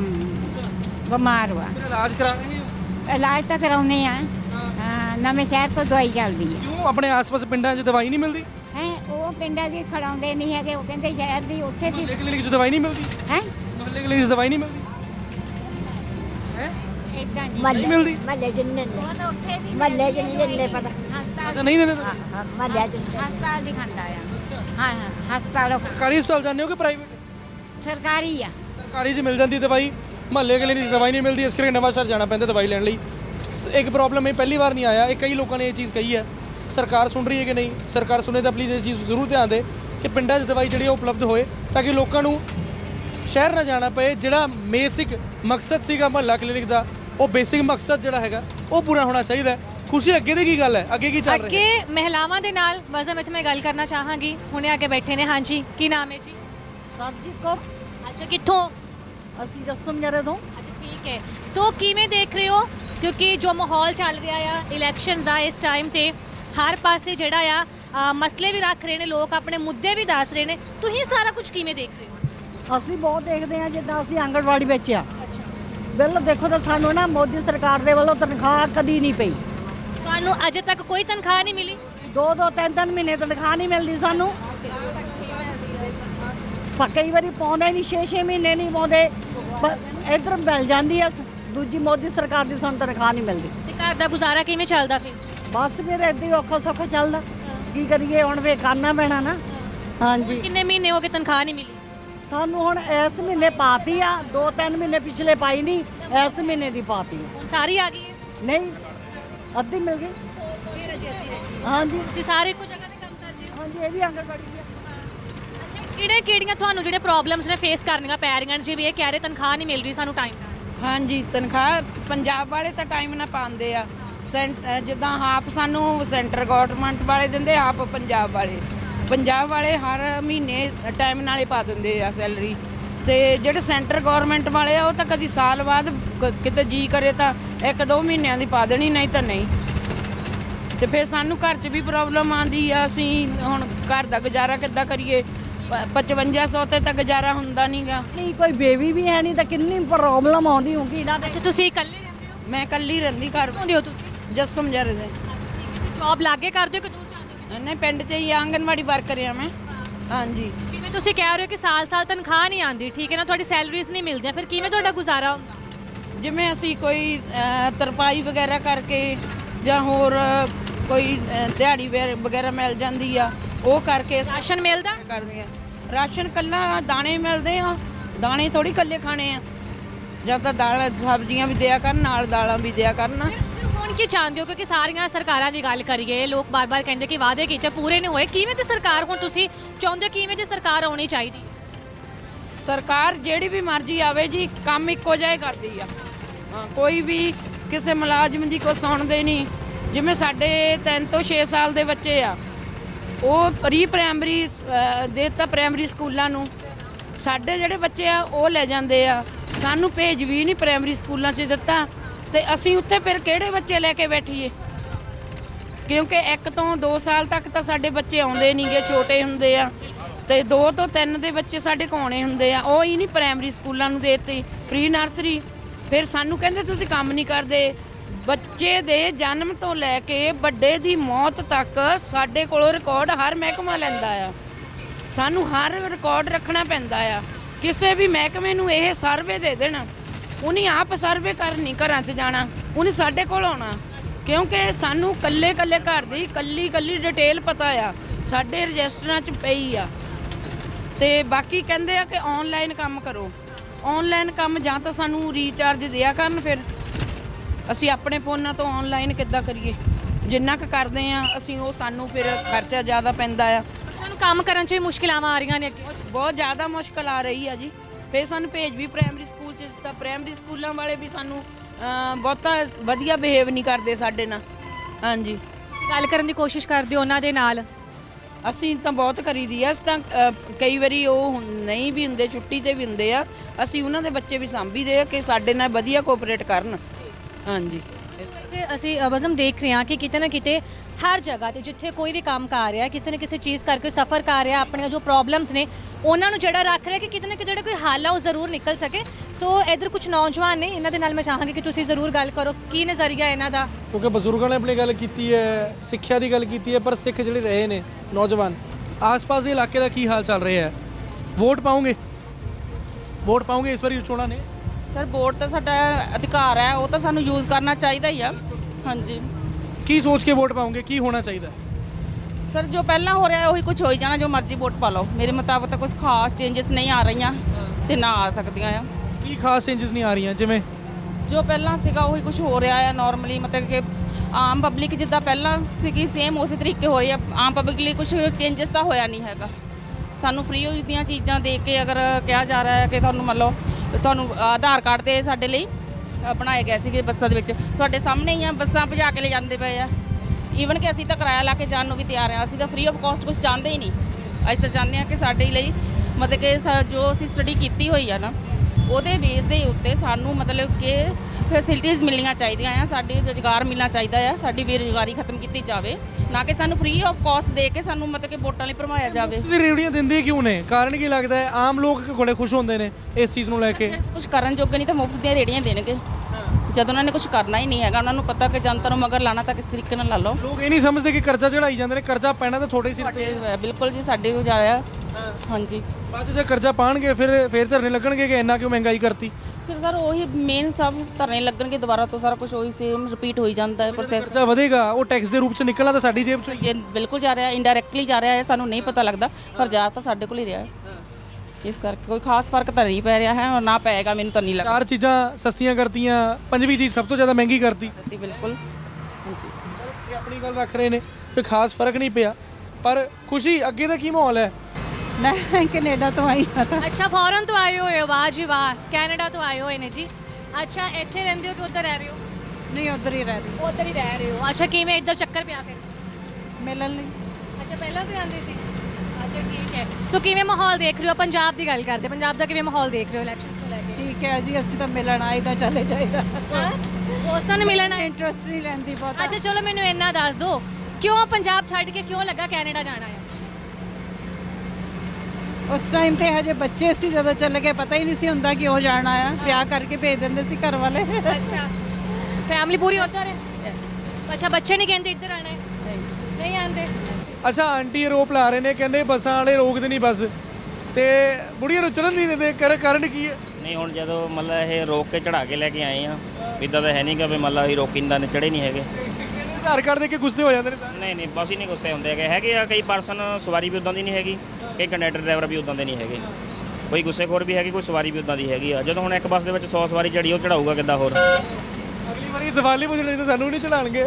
Speaker 12: ਬਿਮਾਰ ਵਾ।
Speaker 6: ਇਲਾਜ ਕਰਾ ਰਹੇ ਹੋ?
Speaker 12: ਇਲਾਜ ਤਾਂ ਕਰਾਉਂਦੇ ਆ। ਹਾਂ, ਨਵੇਂ ਸ਼ਹਿਰ ਤੋਂ ਦਵਾਈ ਚੱਲਦੀ ਹੈ।
Speaker 6: ਕਿਉਂ ਆਪਣੇ ਆਸ-ਪਾਸ ਪਿੰਡਾਂ 'ਚ ਦਵਾਈ ਨਹੀਂ ਮਿਲਦੀ?
Speaker 12: ਹੈ ਉਹ ਪਿੰਡਾਂ ਦੀ ਖੜਾਉਂਦੇ ਨਹੀਂ ਹੈਗੇ, ਉਹ ਕਹਿੰਦੇ ਸ਼ਹਿਰ ਦੀ ਉੱਥੇ ਦੀ।
Speaker 6: ਮੁਹੱਲੇ ਕਲੀਨਿਕ 'ਚ ਦਵਾਈ ਨਹੀਂ ਮਿਲਦੀ?
Speaker 12: ਹੈ
Speaker 6: ਮੁਹੱਲੇ ਕਲੀਨਿਕ 'ਚ ਦਵਾਈ ਨਹੀਂ ਮਿਲਦੀ? ਹੈ
Speaker 12: ਇਦਾਂ
Speaker 6: ਨਹੀਂ ਮਿਲਦੀ?
Speaker 5: ਮਹੱਲੇ ਜਿੰਨੇ
Speaker 12: ਉਹ ਤਾਂ ਉੱਥੇ ਦੀ
Speaker 5: ਮਹੱਲੇ ਚ ਨਹੀਂ ਦਿੰਦੇ ਪਤਾ।
Speaker 6: ਅੱਛਾ, ਨਹੀਂ ਦਿੰਦੇ?
Speaker 5: ਮਹੱਲੇ ਚ
Speaker 12: ਹਸਪਤਾਲ ਦੀ ਖੰਡਾ ਆ। ਹਾਂ ਹਾਂ, ਹਸਪਤਾਲ
Speaker 6: ਸਰਕਾਰੀ ਹਸਪਤਾਲ ਜਾਂਦੇ ਹੋ ਕਿ ਪ੍ਰਾਈਵੇਟ?
Speaker 12: ਸਰਕਾਰੀ ਆ।
Speaker 6: ਸਰਕਾਰੀ 'ਚ ਮਿਲ ਜਾਂਦੀ ਦਵਾਈ, ਮੁਹੱਲੇ ਕਲੀਨਿਕ 'ਚ ਦਵਾਈ ਨਹੀਂ ਮਿਲਦੀ, ਇਸ ਕਰਕੇ ਨਵਾਂ ਸ਼ਹਿਰ ਜਾਣਾ ਪੈਂਦਾ ਦਵਾਈ ਲੈਣ ਲਈ। ਇੱਕ ਪ੍ਰੋਬਲਮ ਇਹ ਪਹਿਲੀ ਵਾਰ ਨਹੀਂ ਆਇਆ, ਇਹ ਕਈ ਲੋਕਾਂ ਨੇ ਇਹ ਚੀਜ਼ ਕਹੀ ਹੈ। ਸਰਕਾਰ ਸੁਣ ਰਹੀ ਹੈ ਕਿ ਨਹੀਂ? ਸਰਕਾਰ ਸੁਣੇ ਤਾਂ ਪਲੀਜ਼ ਇਹ ਚੀਜ਼ ਜ਼ਰੂਰ ਧਿਆਨ ਦੇ ਕਿ ਪਿੰਡਾਂ 'ਚ ਦਵਾਈ ਜਿਹੜੀ ਉਹ ਉਪਲਬਧ ਹੋਏ, ਤਾਂ ਕਿ ਲੋਕਾਂ ਨੂੰ ਸ਼ਹਿਰ ਨਾ ਜਾਣਾ ਪਏ। ਜਿਹੜਾ ਬੇਸਿਕ ਮਕਸਦ ਸੀਗਾ ਮੁਹੱਲਾ ਕਲੀਨਿਕ ਦਾ, ਉਹ ਬੇਸਿਕ ਮਕਸਦ ਜਿਹੜਾ ਹੈਗਾ ਉਹ ਪੂਰਾ ਹੋਣਾ ਚਾਹੀਦਾ। ਖੁਸ਼ੀ ਅੱਗੇ ਦੀ ਕੀ ਗੱਲ ਹੈ? ਅੱਗੇ ਕੀ ਚੱਲ ਰਿਹਾ?
Speaker 7: ਅੱਗੇ ਮਹਿਲਾਵਾਂ ਦੇ ਨਾਲ ਵਜ਼ਮ ਇੱਥੇ ਮੈਂ ਗੱਲ ਕਰਨਾ ਚਾਹਾਂਗੀ। ਹੁਣੇ ਆ ਕੇ ਬੈਠੇ ਨੇ। ਹਾਂਜੀ, ਕੀ ਨਾਮ ਹੈ ਜੀ?
Speaker 5: ਸਰਜੀਤ ਕੌਰ।
Speaker 7: ਅੱਛਾ, ਕਿੱਥੋਂ?
Speaker 5: ਅਸੀਂ ਜਸਮ ਜਰੇ ਤੋਂ।
Speaker 7: ਅੱਛਾ ਠੀਕ ਹੈ। ਸੋ ਕਿਵੇਂ ਦੇਖ ਰਹੇ ਹੋ, ਕਿਉਂਕਿ ਜੋ ਮਾਹੌਲ ਚੱਲ ਰਿਹਾ ਆ ਇਲੈਕਸ਼ਨਸ ਦਾ ਇਸ ਟਾਈਮ ਤੇ, ਹਰ ਪਾਸੇ ਜਿਹੜਾ ਆ ਮਸਲੇ ਵੀ ਰੱਖ ਰਹੇ ਨੇ ਲੋਕ, ਆਪਣੇ ਮੁੱਦੇ ਵੀ ਦੱਸ ਰਹੇ ਨੇ, ਤੁਸੀਂ ਸਾਰਾ ਕੁਝ ਕਿਵੇਂ ਦੇਖ ਰਹੇ ਹੋ?
Speaker 5: ਅਸੀਂ ਬਹੁਤ ਦੇਖਦੇ ਹਾਂ, ਜਿੱਦਾਂ ਅਸੀਂ ਆਂਗਣਵਾੜੀ ਵਿੱਚ ਆ। ਬਿੱਲ ਦੇਖੋ ਤਾਂ ਸਾਨੂੰ ਨਾ ਮੋਦੀ ਸਰਕਾਰ ਦੇ ਵੱਲੋਂ ਤਨਖਾਹ ਕਦੀ ਨਹੀਂ ਪਈ।
Speaker 7: ਤੁਹਾਨੂੰ ਅਜੇ ਤੱਕ ਕੋਈ ਤਨਖਾਹ ਨਹੀਂ ਮਿਲੀ?
Speaker 5: 2-2 3-3 ਮਹੀਨੇ ਤਨਖਾਹ ਨਹੀਂ ਮਿਲਦੀ ਸਾਨੂੰ। ਕਈ ਵਾਰੀ ਪਾਉਂਦੇ ਨਹੀਂ, 6-6 ਮਹੀਨੇ ਨਹੀਂ ਪਾਉਂਦੇ। ਇੱਧਰ ਮਿਲ ਜਾਂਦੀ ਆ, ਦੂਜੀ ਮੋਦੀ ਸਰਕਾਰ ਦੀ ਸਾਨੂੰ ਤਨਖਾਹ ਨਹੀਂ ਮਿਲਦੀ।
Speaker 7: ਤੇ ਘਰ ਦਾ ਗੁਜ਼ਾਰਾ ਕਿਵੇਂ ਚੱਲਦਾ ਫਿਰ?
Speaker 5: ਬਸ ਫਿਰ ਇੱਦਾਂ ਹੀ ਔਖਾ ਸੌਖਾ ਚੱਲਦਾ। ਕੀ ਕਰੀਏ ਹੁਣ, ਵੇ ਕਰਨਾ ਪੈਣਾ ਨਾ। ਹਾਂਜੀ।
Speaker 7: ਕਿੰਨੇ ਮਹੀਨੇ ਹੋ ਗਏ ਤਨਖਾਹ ਨਹੀਂ ਮਿਲੀ?
Speaker 5: ਸਾਨੂੰ ਹੁਣ ਇਸ ਮਹੀਨੇ ਪਾਤੀ ਆ, 2-3 ਮਹੀਨੇ ਪਿਛਲੇ ਪਾਈ ਨਹੀਂ, ਇਸ ਮਹੀਨੇ ਦੀ ਪਾਤੀ।
Speaker 7: ਹੁਣ ਸਾਰੀ ਆ ਗਈ ਹੈ?
Speaker 5: ਨਹੀਂ, ਅੱਧੀ ਮਿਲ ਗਈ। ਹਾਂਜੀ।
Speaker 7: ਤੁਸੀਂ ਸਾਰੇ ਇੱਕੋ ਜਗ੍ਹਾ ਤੇ ਕੰਮ ਕਰਦੇ ਹੋ?
Speaker 5: ਹਾਂਜੀ, ਇਹ ਵੀ ਆਂਗਣਵਾੜੀ ਆ।
Speaker 7: ਕਿਹੜੀਆਂ ਤੁਹਾਨੂੰ ਜਿਹੜੇ ਪ੍ਰੋਬਲਮਸ ਨੇ ਫੇਸ ਕਰਨੀਆਂ ਪੈ ਰਹੀਆਂ ਨੇ, ਜਿਵੇਂ ਇਹ ਕਹਿ ਰਹੇ ਤਨਖਾਹ ਨਹੀਂ ਮਿਲ ਰਹੀ ਸਾਨੂੰ ਟਾਈਮ ਨਾਲ?
Speaker 13: ਹਾਂਜੀ, ਤਨਖਾਹ ਪੰਜਾਬ ਵਾਲੇ ਤਾਂ ਟਾਈਮ ਨਾਲ ਪਾਉਂਦੇ ਆ। ਜਿੱਦਾਂ ਹਾਫ ਸਾਨੂੰ ਸੈਂਟਰ ਗਵਰਨਮੈਂਟ ਵਾਲੇ ਦਿੰਦੇ, ਹਾਫ ਪੰਜਾਬ ਵਾਲੇ। ਪੰਜਾਬ ਵਾਲੇ ਹਰ ਮਹੀਨੇ ਟਾਈਮ ਨਾਲ ਹੀ ਪਾ ਦਿੰਦੇ ਆ ਸੈਲਰੀ, ਤੇ ਜਿਹੜੇ ਸੈਂਟਰ ਗਵਰਨਮੈਂਟ ਵਾਲੇ ਆ ਉਹ ਤਾਂ ਕਦੀ ਸਾਲ ਬਾਅਦ ਕਿਤੇ ਜੀ ਕਰੇ ਤਾਂ 1-2 ਮਹੀਨਿਆਂ ਦੀ ਪਾ ਦੇਣੀ, ਨਹੀਂ ਤਾਂ ਨਹੀਂ। ਤੇ ਫਿਰ ਸਾਨੂੰ ਘਰ 'ਚ ਵੀ ਪ੍ਰੋਬਲਮ ਆਉਂਦੀ ਆ। ਅਸੀਂ ਹੁਣ ਘਰ ਦਾ ਗੁਜ਼ਾਰਾ ਕਿੱਦਾਂ ਕਰੀਏ? 5500 ਤੇ ਤਾਂ ਗੁਜ਼ਾਰਾ ਹੁੰਦਾ ਨਹੀਂਗਾ।
Speaker 5: ਨਹੀਂ, ਕੋਈ ਬੇਬੀ ਵੀ ਹੈ ਨਹੀਂ ਤਾਂ ਕਿੰਨੀ ਪ੍ਰੋਬਲਮ ਆਉਂਦੀ ਹੋਊਗੀ ਇਹਨਾਂ ਦੇ।
Speaker 7: ਅੱਛਾ, ਤੁਸੀਂ ਇਕੱਲੇ ਰਹਿੰਦੇ ਹੋ?
Speaker 13: ਮੈਂ ਇਕੱਲੀ ਰਹਿੰਦੀ ਘਰ।
Speaker 7: ਹੁੰਦੇ ਹੋ ਤੁਸੀਂ?
Speaker 13: ਜਸਮ ਜਰੇ ਦੇ।
Speaker 7: ਜੌਬ ਲਾਗੇ ਕਰਦੇ ਹੋ ਕਿ ਦੂਰ ਜਾਂਦੇ ਹੋ?
Speaker 13: ਨਹੀਂ, ਪਿੰਡ 'ਚ ਹੀ ਆਂਗਨਵਾੜੀ ਵਰਕਰ ਆ ਮੈਂ। ਹਾਂਜੀ।
Speaker 7: ਜਿਵੇਂ ਤੁਸੀਂ ਕਹਿ ਰਹੇ ਹੋ ਕਿ ਸਾਲ-ਸਾਲ ਤਨਖਾਹ ਨਹੀਂ ਆਉਂਦੀ, ਠੀਕ ਹੈ ਨਾ, ਤੁਹਾਡੀ ਸੈਲਰੀਜ਼ ਨਹੀਂ ਮਿਲਦੀਆਂ, ਫਿਰ ਕਿਵੇਂ ਤੁਹਾਡਾ ਗੁਜ਼ਾਰਾ ਹੁੰਦਾ?
Speaker 13: ਜਿਵੇਂ ਅਸੀਂ ਕੋਈ ਤਰਪਾਈ ਵਗੈਰਾ ਕਰਕੇ ਜਾਂ ਹੋਰ ਕੋਈ ਦਿਹਾੜੀ ਵਗੈਰਾ ਮਿਲ ਜਾਂਦੀ ਆ, ਉਹ ਕਰਕੇ।
Speaker 7: ਰਾਸ਼ਨ ਮਿਲਦਾ?
Speaker 13: ਕਰਦੇ ਆ। ਰਾਸ਼ਨ ਕੱਲਾ ਦਾਣੇ ਮਿਲਦੇ ਆ, ਦਾਣੇ ਥੋੜੀ ਕੱਲੇ ਖਾਣੇ ਆ। ਜਾਂ ਤਾਂ ਦਾਲ ਸਬਜ਼ੀਆਂ ਵੀ ਦਿਆ ਕਰਨ, ਨਾਲ ਦਾਲਾਂ ਵੀ ਦਿਆ ਕਰਨ।
Speaker 7: ਹੁਣ ਕੀ ਚਾਹੁੰਦੇ ਹੋ? ਕਿਉਂਕਿ ਸਾਰੀਆਂ ਸਰਕਾਰਾਂ ਦੀ ਗੱਲ ਕਰੀਏ, ਲੋਕ ਬਾਰ-ਬਾਰ ਕਹਿੰਦੇ ਕਿ ਵਾਅਦੇ ਕੀਤੇ ਪੂਰੇ ਨਹੀਂ ਹੋਏ। ਕਿਵੇਂ ਦੀ ਸਰਕਾਰ ਹੁਣ ਤੁਸੀਂ ਚਾਹੁੰਦੇ ਹੋ, ਕਿਵੇਂ ਦੀ ਸਰਕਾਰ ਆਉਣੀ ਚਾਹੀਦੀ ਹੈ?
Speaker 13: ਸਰਕਾਰ ਜਿਹੜੀ ਵੀ ਮਰਜ਼ੀ ਆਵੇ ਜੀ, ਕੰਮ ਇੱਕੋ ਜਿਹਾ ਹੀ ਕਰਦੀ ਆ। ਕੋਈ ਵੀ ਕਿਸੇ ਮੁਲਾਜ਼ਮ ਦੀ ਕੋਈ ਸੁਣਦੇ ਨਹੀਂ। ਜਿਵੇਂ ਸਾਡੇ 3 ਤੋਂ 6 ਸਾਲ ਦੇ ਬੱਚੇ ਆ, ਉਹ ਪ੍ਰੀ ਪ੍ਰਾਇਮਰੀ ਦੇ ਤਾਂ ਪ੍ਰਾਇਮਰੀ ਸਕੂਲਾਂ ਨੂੰ, ਸਾਡੇ ਜਿਹੜੇ ਬੱਚੇ ਆ ਉਹ ਲੈ ਜਾਂਦੇ ਆ। ਸਾਨੂੰ ਭੇਜ ਵੀ ਨਹੀਂ ਪ੍ਰਾਇਮਰੀ ਸਕੂਲਾਂ 'ਚ ਦਿੱਤਾ, ਤੇ ਅਸੀਂ ਉੱਥੇ ਫਿਰ ਕਿਹੜੇ ਬੱਚੇ ਲੈ ਕੇ ਬੈਠੀਏ? ਕਿਉਂਕਿ 1 ਤੋਂ 2 ਸਾਲ ਤੱਕ ਤਾਂ ਸਾਡੇ ਬੱਚੇ ਆਉਂਦੇ ਨਹੀਂਗੇ, ਛੋਟੇ ਹੁੰਦੇ ਆ, ਤੇ 2 ਤੋਂ 3 ਦੇ ਬੱਚੇ ਸਾਡੇ ਕੋਣੇ ਹੁੰਦੇ ਆ, ਉਹ ਹੀ ਨਹੀਂ ਪ੍ਰਾਇਮਰੀ ਸਕੂਲਾਂ ਨੂੰ ਦੇਤੀ, ਪ੍ਰੀ ਨਰਸਰੀ। ਫਿਰ ਸਾਨੂੰ ਕਹਿੰਦੇ ਤੁਸੀਂ ਕੰਮ ਨਹੀਂ ਕਰਦੇ। ਬੱਚੇ ਦੇ ਜਨਮ ਤੋਂ ਲੈ ਕੇ ਵੱਡੇ ਦੀ ਮੌਤ ਤੱਕ ਸਾਡੇ ਕੋਲੋਂ ਰਿਕਾਰਡ ਹਰ ਮਹਿਕਮਾ ਲੈਂਦਾ ਆ। ਸਾਨੂੰ ਹਰ ਰਿਕਾਰਡ ਰੱਖਣਾ ਪੈਂਦਾ ਆ। ਕਿਸੇ ਵੀ ਮਹਿਕਮੇ ਨੂੰ ਇਹ ਸਰਵੇ ਦੇ ਦੇਣਾ, ਉਹਨੇ ਆਪ ਸਰਵੇ ਕਰਨੀ, ਘਰਾਂ 'ਚ ਜਾਣਾ, ਉਹਨੇ ਸਾਡੇ ਕੋਲ ਆਉਣਾ, ਕਿਉਂਕਿ ਸਾਨੂੰ ਕੱਲੇ ਘਰ ਦੀ ਕੱਲੀ ਡਿਟੇਲ ਪਤਾ ਆ, ਸਾਡੇ ਰਜਿਸਟਰਾਂ 'ਚ ਪਈ ਆ। ਤੇ ਬਾਕੀ ਕਹਿੰਦੇ ਆ ਕਿ ਆਨਲਾਈਨ ਕੰਮ ਕਰੋ। ਆਨਲਾਈਨ ਕੰਮ ਜਾਂ ਤਾਂ ਸਾਨੂੰ ਰੀਚਾਰਜ ਦਿਆ ਕਰਨ, ਫਿਰ ਅਸੀਂ ਆਪਣੇ ਫੋਨਾਂ ਤੋਂ ਆਨਲਾਈਨ ਕਿੱਦਾਂ ਕਰੀਏ? ਜਿੰਨਾ ਕੁ ਕਰਦੇ ਆ ਅਸੀਂ ਉਹ ਸਾਨੂੰ ਫਿਰ ਖਰਚਾ ਜ਼ਿਆਦਾ ਪੈਂਦਾ ਆ।
Speaker 7: ਸਾਨੂੰ ਕੰਮ ਕਰਨ 'ਚ ਵੀ ਮੁਸ਼ਕਿਲਾਂ ਆ ਰਹੀਆਂ ਨੇ ਅੱਗੇ,
Speaker 13: ਬਹੁਤ ਜ਼ਿਆਦਾ ਮੁਸ਼ਕਲ ਆ ਰਹੀ ਆ ਜੀ। ਫਿਰ ਸਾਨੂੰ ਭੇਜ ਵੀ ਪ੍ਰਾਇਮਰੀ ਸਕੂਲ 'ਚ, ਤਾਂ ਪ੍ਰਾਇਮਰੀ ਸਕੂਲਾਂ ਵਾਲੇ ਵੀ ਸਾਨੂੰ ਬਹੁਤਾ ਵਧੀਆ ਬਿਹੇਵ ਨਹੀਂ ਕਰਦੇ ਸਾਡੇ ਨਾਲ। ਹਾਂਜੀ,
Speaker 7: ਤੁਸੀਂ ਗੱਲ ਕਰਨ ਦੀ ਕੋਸ਼ਿਸ਼ ਕਰਦੇ ਹੋ ਉਹਨਾਂ ਦੇ ਨਾਲ?
Speaker 13: ਅਸੀਂ ਤਾਂ ਬਹੁਤ ਕਰੀਦੀ ਆ। ਅਸੀਂ ਤਾਂ ਕਈ ਵਾਰੀ ਉਹ ਨਹੀਂ ਵੀ ਹੁੰਦੇ, ਛੁੱਟੀ ਤੇ ਵੀ ਹੁੰਦੇ ਆ, ਅਸੀਂ ਉਹਨਾਂ ਦੇ ਬੱਚੇ ਵੀ ਸਾਂਭੀਦੇ ਆ ਕਿ ਸਾਡੇ ਨਾਲ ਵਧੀਆ ਕੋਆਪਰੇਟ ਕਰਨ। ਹਾਂਜੀ,
Speaker 7: ਇੱਥੇ ਅਸੀਂ ਬਜ਼ਮ ਦੇਖ ਰਹੇ ਹਾਂ ਕਿ ਕਿਤੇ ਨਾ ਕਿਤੇ ਹਰ ਜਗ੍ਹਾ ਤੇ ਜਿੱਥੇ ਕੋਈ ਵੀ ਕੰਮ ਕਰ ਰਿਹਾ, ਕਿਸੇ ਨਾ ਕਿਸੇ ਚੀਜ਼ ਕਰਕੇ ਸਫਰ ਕਰ ਰਿਹਾ, ਆਪਣੀਆਂ ਜੋ ਪ੍ਰੋਬਲਮਸ ਨੇ ਉਹਨਾਂ ਨੂੰ ਜਿਹੜਾ ਰੱਖ ਰਿਹਾ ਕਿ ਕਿਤੇ ਨਾ ਕਿਤੇ ਜਿਹੜਾ ਕੋਈ ਹੱਲ ਆ ਉਹ ਜ਼ਰੂਰ ਨਿਕਲ ਸਕੇ। ਸੋ ਇੱਧਰ ਕੁਝ ਨੌਜਵਾਨ ਨੇ, ਇਹਨਾਂ ਦੇ ਨਾਲ ਮੈਂ ਚਾਹਾਂਗੀ ਕਿ ਤੁਸੀਂ ਜ਼ਰੂਰ ਗੱਲ ਕਰੋ, ਕੀ ਨਜ਼ਰੀਆ ਇਹਨਾਂ ਦਾ?
Speaker 6: ਕਿਉਂਕਿ ਬਜ਼ੁਰਗਾਂ ਨੇ ਆਪਣੀ ਗੱਲ ਕੀਤੀ ਹੈ, ਸਿੱਖਿਆ ਦੀ ਗੱਲ ਕੀਤੀ ਹੈ, ਪਰ ਸਿੱਖ ਜਿਹੜੇ ਰਹੇ ਨੇ ਨੌਜਵਾਨ, ਆਸ-ਪਾਸ ਦੇ ਇਲਾਕੇ ਦਾ ਕੀ ਹਾਲ ਚੱਲ ਰਿਹਾ ਹੈ? ਵੋਟ ਪਾਉਂਗੇ ਇਸ ਵਾਰੀ ਚੋਣਾਂ ਨੇ?
Speaker 4: ਸਰ ਵੋਟ ਤਾਂ ਸਾਡਾ ਅਧਿਕਾਰ ਹੈ, ਉਹ ਤਾਂ ਸਾਨੂੰ ਯੂਜ਼ ਕਰਨਾ ਚਾਹੀਦਾ ਹੀ ਆ। ਹਾਂਜੀ,
Speaker 6: ਕੀ ਸੋਚ ਕੇ ਵੋਟ ਪਾਉਂਗੇ, ਕੀ ਹੋਣਾ ਚਾਹੀਦਾ?
Speaker 4: ਸਰ ਜੋ ਪਹਿਲਾਂ ਹੋ ਰਿਹਾ ਉਹੀ ਕੁਝ ਹੋਈ ਜਾਣਾ, ਜੋ ਮਰਜ਼ੀ ਵੋਟ ਪਾ ਲਓ। ਮੇਰੇ ਮੁਤਾਬਕ ਤਾਂ ਕੁਝ ਖਾਸ ਚੇਂਜਸ ਨਹੀਂ ਆ ਰਹੀਆਂ ਤੇ ਨਾ ਆ ਸਕਦੀਆਂ ਆ।
Speaker 6: ਕੀ ਖਾਸ ਚੇਂਜਸ ਨਹੀਂ ਆ ਰਹੀਆਂ? ਜਿਵੇਂ
Speaker 4: ਜੋ ਪਹਿਲਾਂ ਸੀਗਾ ਉਹੀ ਕੁਝ ਹੋ ਰਿਹਾ ਆ ਨਾਰਮਲੀ, ਮਤਲਬ ਕਿ ਆਮ ਪਬਲਿਕ ਜਿੱਦਾਂ ਪਹਿਲਾਂ ਸੀਗੀ ਸੇਮ ਉਸੇ ਤਰੀਕੇ ਹੋ ਰਹੀ ਆ। ਆਮ ਪਬਲਿਕ ਲਈ ਕੁਝ ਚੇਂਜਸ ਤਾਂ ਹੋਇਆ ਨਹੀਂ ਹੈਗਾ। ਸਾਨੂੰ ਫ੍ਰੀ ਦੀਆਂ ਚੀਜ਼ਾਂ ਦੇ ਕੇ ਅਗਰ ਕਿਹਾ ਜਾ ਰਿਹਾ ਹੈ ਕਿ ਤੁਹਾਨੂੰ ਮੰਨ ਲਓ ਤੁਹਾਨੂੰ ਆਧਾਰ ਕਾਰਡ ਤੇ ਸਾਡੇ ਲਈ ਬਣਾਏ ਗਏ ਸੀਗੇ ਬੱਸਾਂ ਦੇ ਵਿੱਚ, ਤੁਹਾਡੇ ਸਾਹਮਣੇ ਹੀ ਆ ਬੱਸਾਂ ਭਜਾ ਕੇ ਲੈ ਜਾਂਦੇ ਪਏ ਆ। ਈਵਨ ਕਿ ਅਸੀਂ ਤਾਂ ਕਿਰਾਇਆ ਲਾ ਕੇ ਜਾਣ ਨੂੰ ਵੀ ਤਿਆਰ ਆ, ਅਸੀਂ ਤਾਂ ਫ੍ਰੀ ਆਫ ਕਾਸਟ ਕੁਝ ਚਾਹੁੰਦੇ ਹੀ ਨਹੀਂ। ਅਸੀਂ ਤਾਂ ਚਾਹੁੰਦੇ ਹਾਂ ਕਿ ਸਾਡੇ ਲਈ ਮਤਲਬ ਕਿ ਜੋ ਅਸੀਂ ਸਟੱਡੀ ਕੀਤੀ ਹੋਈ ਆ ਨਾ, ਉਹਦੇ ਬੇਸ ਦੇ ਉੱਤੇ ਸਾਨੂੰ ਮਤਲਬ ਕਿ ਫੈਸਿਲਿਟੀਜ਼ ਮਿਲਣੀਆਂ ਚਾਹੀਦੀਆਂ ਆ, ਸਾਡੇ ਰੁਜ਼ਗਾਰ ਮਿਲਣਾ ਚਾਹੀਦਾ ਆ, ਸਾਡੀ ਬੇਰੁਜ਼ਗਾਰੀ ਖਤਮ ਕੀਤੀ ਜਾਵੇ, ਨਾ ਕਿ ਸਾਨੂੰ ਫ੍ਰੀ ਆਫ ਕਾਸਟ ਦੇ ਕੇ ਸਾਨੂੰ ਮਤਲਬ ਕਿ ਵੋਟਾਂ ਲਈ ਭਰਮਾਇਆ ਜਾਵੇ।
Speaker 6: ਤੁਸੀਂ ਰੇਹੜੀਆਂ ਦਿੰਦੇ ਕਿਉਂ ਨੇ? ਕਾਰਨ ਕੀ ਲੱਗਦਾ ਹੈ? ਆਮ ਲੋਕ ਬੜੇ ਖੁਸ਼ ਹੁੰਦੇ ਨੇ ਇਸ ਚੀਜ਼ ਨੂੰ ਲੈ ਕੇ।
Speaker 4: ਕੁਝ ਕਰਨ ਜੋਗੇ ਨਹੀਂ ਤਾਂ ਮੁਫਤ ਦੀਆਂ ਰੇਹੜੀਆਂ ਦੇਣਗੇ, ਜਦੋਂ ਉਹਨਾਂ ਨੇ ਕੁਝ ਕਰਨਾ ਹੀ ਨਹੀਂ ਹੈਗਾ। ਉਹਨਾਂ ਨੂੰ ਪਤਾ ਕਿ ਜਨਤਾ ਨੂੰ ਮਗਰ ਲਾਣਾ ਤਾਂ ਕਿਸ ਤਰੀਕੇ ਨਾਲ ਲਾ ਲਓ।
Speaker 6: ਲੋਕ ਇਹ ਨਹੀਂ ਸਮਝਦੇ ਕਿ ਕਰਜ਼ਾ ਚੜਾਈ ਜਾਂਦੇ ਨੇ, ਕਰਜ਼ਾ ਪੈਣਾ ਤਾਂ ਥੋੜੇ ਸਿਰ ਤੇ।
Speaker 4: ਬਿਲਕੁਲ ਜੀ, ਸਾਡੇ ਹੋ ਜਾ ਰਿਹਾ। ਹਾਂਜੀ,
Speaker 6: ਬਾਅਦ 'ਚ ਜੇ ਕਰਜ਼ਾ ਪਾਣਗੇ ਫਿਰ ਧਰਨੇ ਲੱਗਣਗੇ ਕਿ ਇੰਨਾ ਕਿਉਂ ਮਹਿੰਗਾਈ ਕਰਤੀ।
Speaker 4: ਫਿਰ ਸਰ ਉਹੀ ਮੇਨ ਸਭ ਧਰਨੇ ਲੱਗਣਗੇ, ਦੁਬਾਰਾ ਤੋਂ ਸਾਰਾ ਕੁਝ ਉਹੀ ਸੇਮ ਰਿਪੀਟ ਹੋਈ ਜਾਂਦਾ ਹੈ ਪ੍ਰੋਸੈਸ।
Speaker 6: ਕਰਜ਼ਾ ਵਧੇਗਾ, ਉਹ ਟੈਕਸ ਦੇ ਰੂਪ 'ਚ ਨਿਕਲਣਾ ਤਾਂ ਸਾਡੀ ਜੇਬ 'ਚ ਹੀ।
Speaker 4: ਬਿਲਕੁਲ ਜਾ ਰਿਹਾ, ਇਨਡਾਇਰੈਕਟਲੀ ਜਾ ਰਿਹਾ ਹੈ, ਸਾਨੂੰ ਨਹੀਂ ਪਤਾ ਲੱਗਦਾ, ਪਰ ਜਾ ਤਾਂ ਸਾਡੇ ਕੋਲ ਹੀ ਰਿਹਾ ਹੈ। ਇਸ ਕਰਕੇ ਕੋਈ ਖਾਸ ਫਰਕ ਤਾਂ ਨਹੀਂ ਪੈ ਰਿਹਾ ਹੈ, ਔਰ ਨਾ ਪਏਗਾ, ਮੈਨੂੰ ਤਾਂ ਨਹੀਂ ਲੱਗਦਾ।
Speaker 6: 4 ਚੀਜ਼ਾਂ ਸਸਤੀਆਂ ਕਰਤੀਆਂ, 5ਵੀਂ ਚੀਜ਼ ਸਭ ਤੋਂ ਜ਼ਿਆਦਾ ਮਹਿੰਗੀ ਕਰਤੀ।
Speaker 4: ਬਿਲਕੁਲ, ਹਾਂਜੀ,
Speaker 6: ਇਹ ਆਪਣੀ ਗੱਲ ਰੱਖ ਰਹੇ ਨੇ ਕਿ ਖਾਸ ਫਰਕ ਨਹੀਂ ਪਿਆ, ਪਰ ਖੁਸ਼ੀ ਅੱਗੇ ਦਾ ਕੀ ਮਾਹੌਲ ਹੈ?
Speaker 5: ਮੈਂ ਕੈਨੇਡਾ ਤੋਂ ਆਈ ਹਾਂ।
Speaker 7: ਅੱਛਾ, ਫੋਰਨ ਤੋਂ ਆਏ ਹੋਏ ਹੋ? ਵਾਹ ਜੀ ਵਾਹ, ਕੈਨੇਡਾ ਤੋਂ ਆਏ ਹੋਏ ਨੇ ਜੀ। ਅੱਛਾ, ਇੱਥੇ ਰਹਿੰਦੇ ਹੋ ਕਿ ਉੱਧਰ ਰਹਿ ਰਹੇ ਹੋ?
Speaker 5: ਨਹੀਂ, ਉੱਧਰ ਹੀ ਰਹਿ ਰਹੀ,
Speaker 7: ਉੱਧਰ ਹੀ ਰਹਿ ਰਹੇ ਹੋ। ਅੱਛਾ, ਕਿਵੇਂ ਇੱਧਰ ਚੱਕਰ ਪਿਆ ਫਿਰ?
Speaker 5: ਮਿਲਣ ਲਈ।
Speaker 7: ਅੱਛਾ, ਪਹਿਲਾਂ ਤੋਂ ਆਉਂਦੇ ਸੀ। ਅੱਛਾ, ਠੀਕ ਹੈ। ਸੋ ਕਿਵੇਂ ਮਾਹੌਲ ਦੇਖ ਰਹੇ ਹੋ? ਪੰਜਾਬ ਦੀ ਗੱਲ ਕਰਦੇ, ਪੰਜਾਬ ਦਾ ਕਿਵੇਂ ਮਾਹੌਲ ਦੇਖ ਰਹੇ ਹੋ ਇਲੈਕਸ਼ਨ ਤੋਂ ਲੈ ਕੇ?
Speaker 5: ਠੀਕ ਹੈ ਜੀ, ਅਸੀਂ ਤਾਂ ਮਿਲਣ ਆਏ ਤਾਂ ਚਲੇ ਜਾਈਦਾ।
Speaker 7: ਦੋਸਤਾਂ ਨੂੰ ਮਿਲਣ ਆਏ?
Speaker 5: ਇੰਟਰਸਟ ਨਹੀਂ ਲੈਂਦੀ ਬਹੁਤ।
Speaker 7: ਅੱਛਾ, ਚਲੋ ਮੈਨੂੰ ਇੰਨਾ ਦੱਸ ਦਿਓ, ਕਿਉਂ ਪੰਜਾਬ ਛੱਡ ਕੇ ਕਿਉਂ ਲੱਗਾ ਕੈਨੇਡਾ ਜਾਣਾ ਹੈ?
Speaker 5: ਉਸ ਟਾਈਮ ਤੇ ਹਜੇ ਬੱਚੇ ਸੀ, ਜਦੋਂ ਚੱਲ ਗਏ ਪਤਾ ਹੀ ਨਹੀਂ ਸੀ ਹੁੰਦਾ ਕਿ ਉਹ ਜਾਣਾ ਆ, ਵਿਆਹ ਕਰਕੇ ਭੇਜ ਦਿੰਦੇ ਸੀ ਘਰ ਵਾਲੇ।
Speaker 7: ਅੱਛਾ, ਫੈਮਿਲੀ ਪੂਰੀ ਉੱਧਰ ਹੈ? ਅੱਛਾ, ਬੱਚੇ ਨਹੀਂ ਕਹਿੰਦੇ ਇੱਧਰ ਆਣਾ ਹੈ? ਨਹੀਂ ਆਉਂਦੇ।
Speaker 6: ਅੱਛਾ, ਆਂਟੀ ਆਰੋਪ ਲਾ ਰਹੇ ਨੇ, ਕਹਿੰਦੇ ਬੱਸਾਂ ਵਾਲੇ ਰੋਕਦੇ ਨਹੀਂ ਬੱਸ, ਤੇ ਬੁੜੀਆਂ ਨੂੰ ਚੜ੍ਹਨ ਨਹੀਂ ਦਿੰਦੇ। ਕਾਰਨ ਕੀ ਹੈ?
Speaker 14: ਨਹੀਂ, ਹੁਣ ਜਦੋਂ ਮਤਲਬ ਇਹ ਰੋਕ ਕੇ ਚੜਾ ਕੇ ਲੈ ਕੇ ਆਏ ਆ, ਇੱਦਾਂ ਤਾਂ ਹੈ ਨਹੀਂ ਕਿ ਵੀ ਮਤਲਬ ਅਸੀਂ ਰੋਕਿੰਦਾ ਨੇ ਚੜੇ ਨਹੀਂ ਹੈਗੇ।
Speaker 6: ਆਧਾਰ ਕਾਰਡ ਦੇ ਕੇ ਗੁੱਸੇ ਹੋ ਜਾਂਦੇ ਨੇ ਸਾਰੇ।
Speaker 14: ਨਹੀਂ, ਬਸ ਹੀ ਨਹੀਂ ਗੁੱਸੇ ਹੁੰਦੇ ਹੈਗੇ ਆ। ਕਈ ਪਰਸਨ ਸਵਾਰੀ ਵੀ ਉਦਾਂ ਦੀ ਨਹੀਂ ਹੈਗੀ, ਕਈ ਕੰਡਕਟਰ ਡਰਾਈਵਰ ਵੀ ਉਦਾਂ ਦੇ ਨਹੀਂ ਹੈਗੇ, ਕੋਈ ਗੁੱਸੇਖੋਰ ਵੀ ਹੈਗੀ, ਕੋਈ ਸਵਾਰੀ ਵੀ ਉਦਾਂ ਦੀ ਹੈਗੀ ਆ। ਜਦੋਂ ਹੁਣ ਇੱਕ ਬੱਸ ਦੇ ਵਿੱਚ 100 ਸਵਾਰੀ ਚੜੀ, ਉਹ ਚੜਾਊਗਾ ਕਿੱਦਾਂ? ਹੋਰ
Speaker 6: ਅਗਲੀ ਵਾਰੀ ਸਵਾਲ ਹੀ ਪੁੱਛਣੇ ਤਾਂ ਸਾਨੂੰ ਨਹੀਂ ਚੜਾਉਣਗੇ।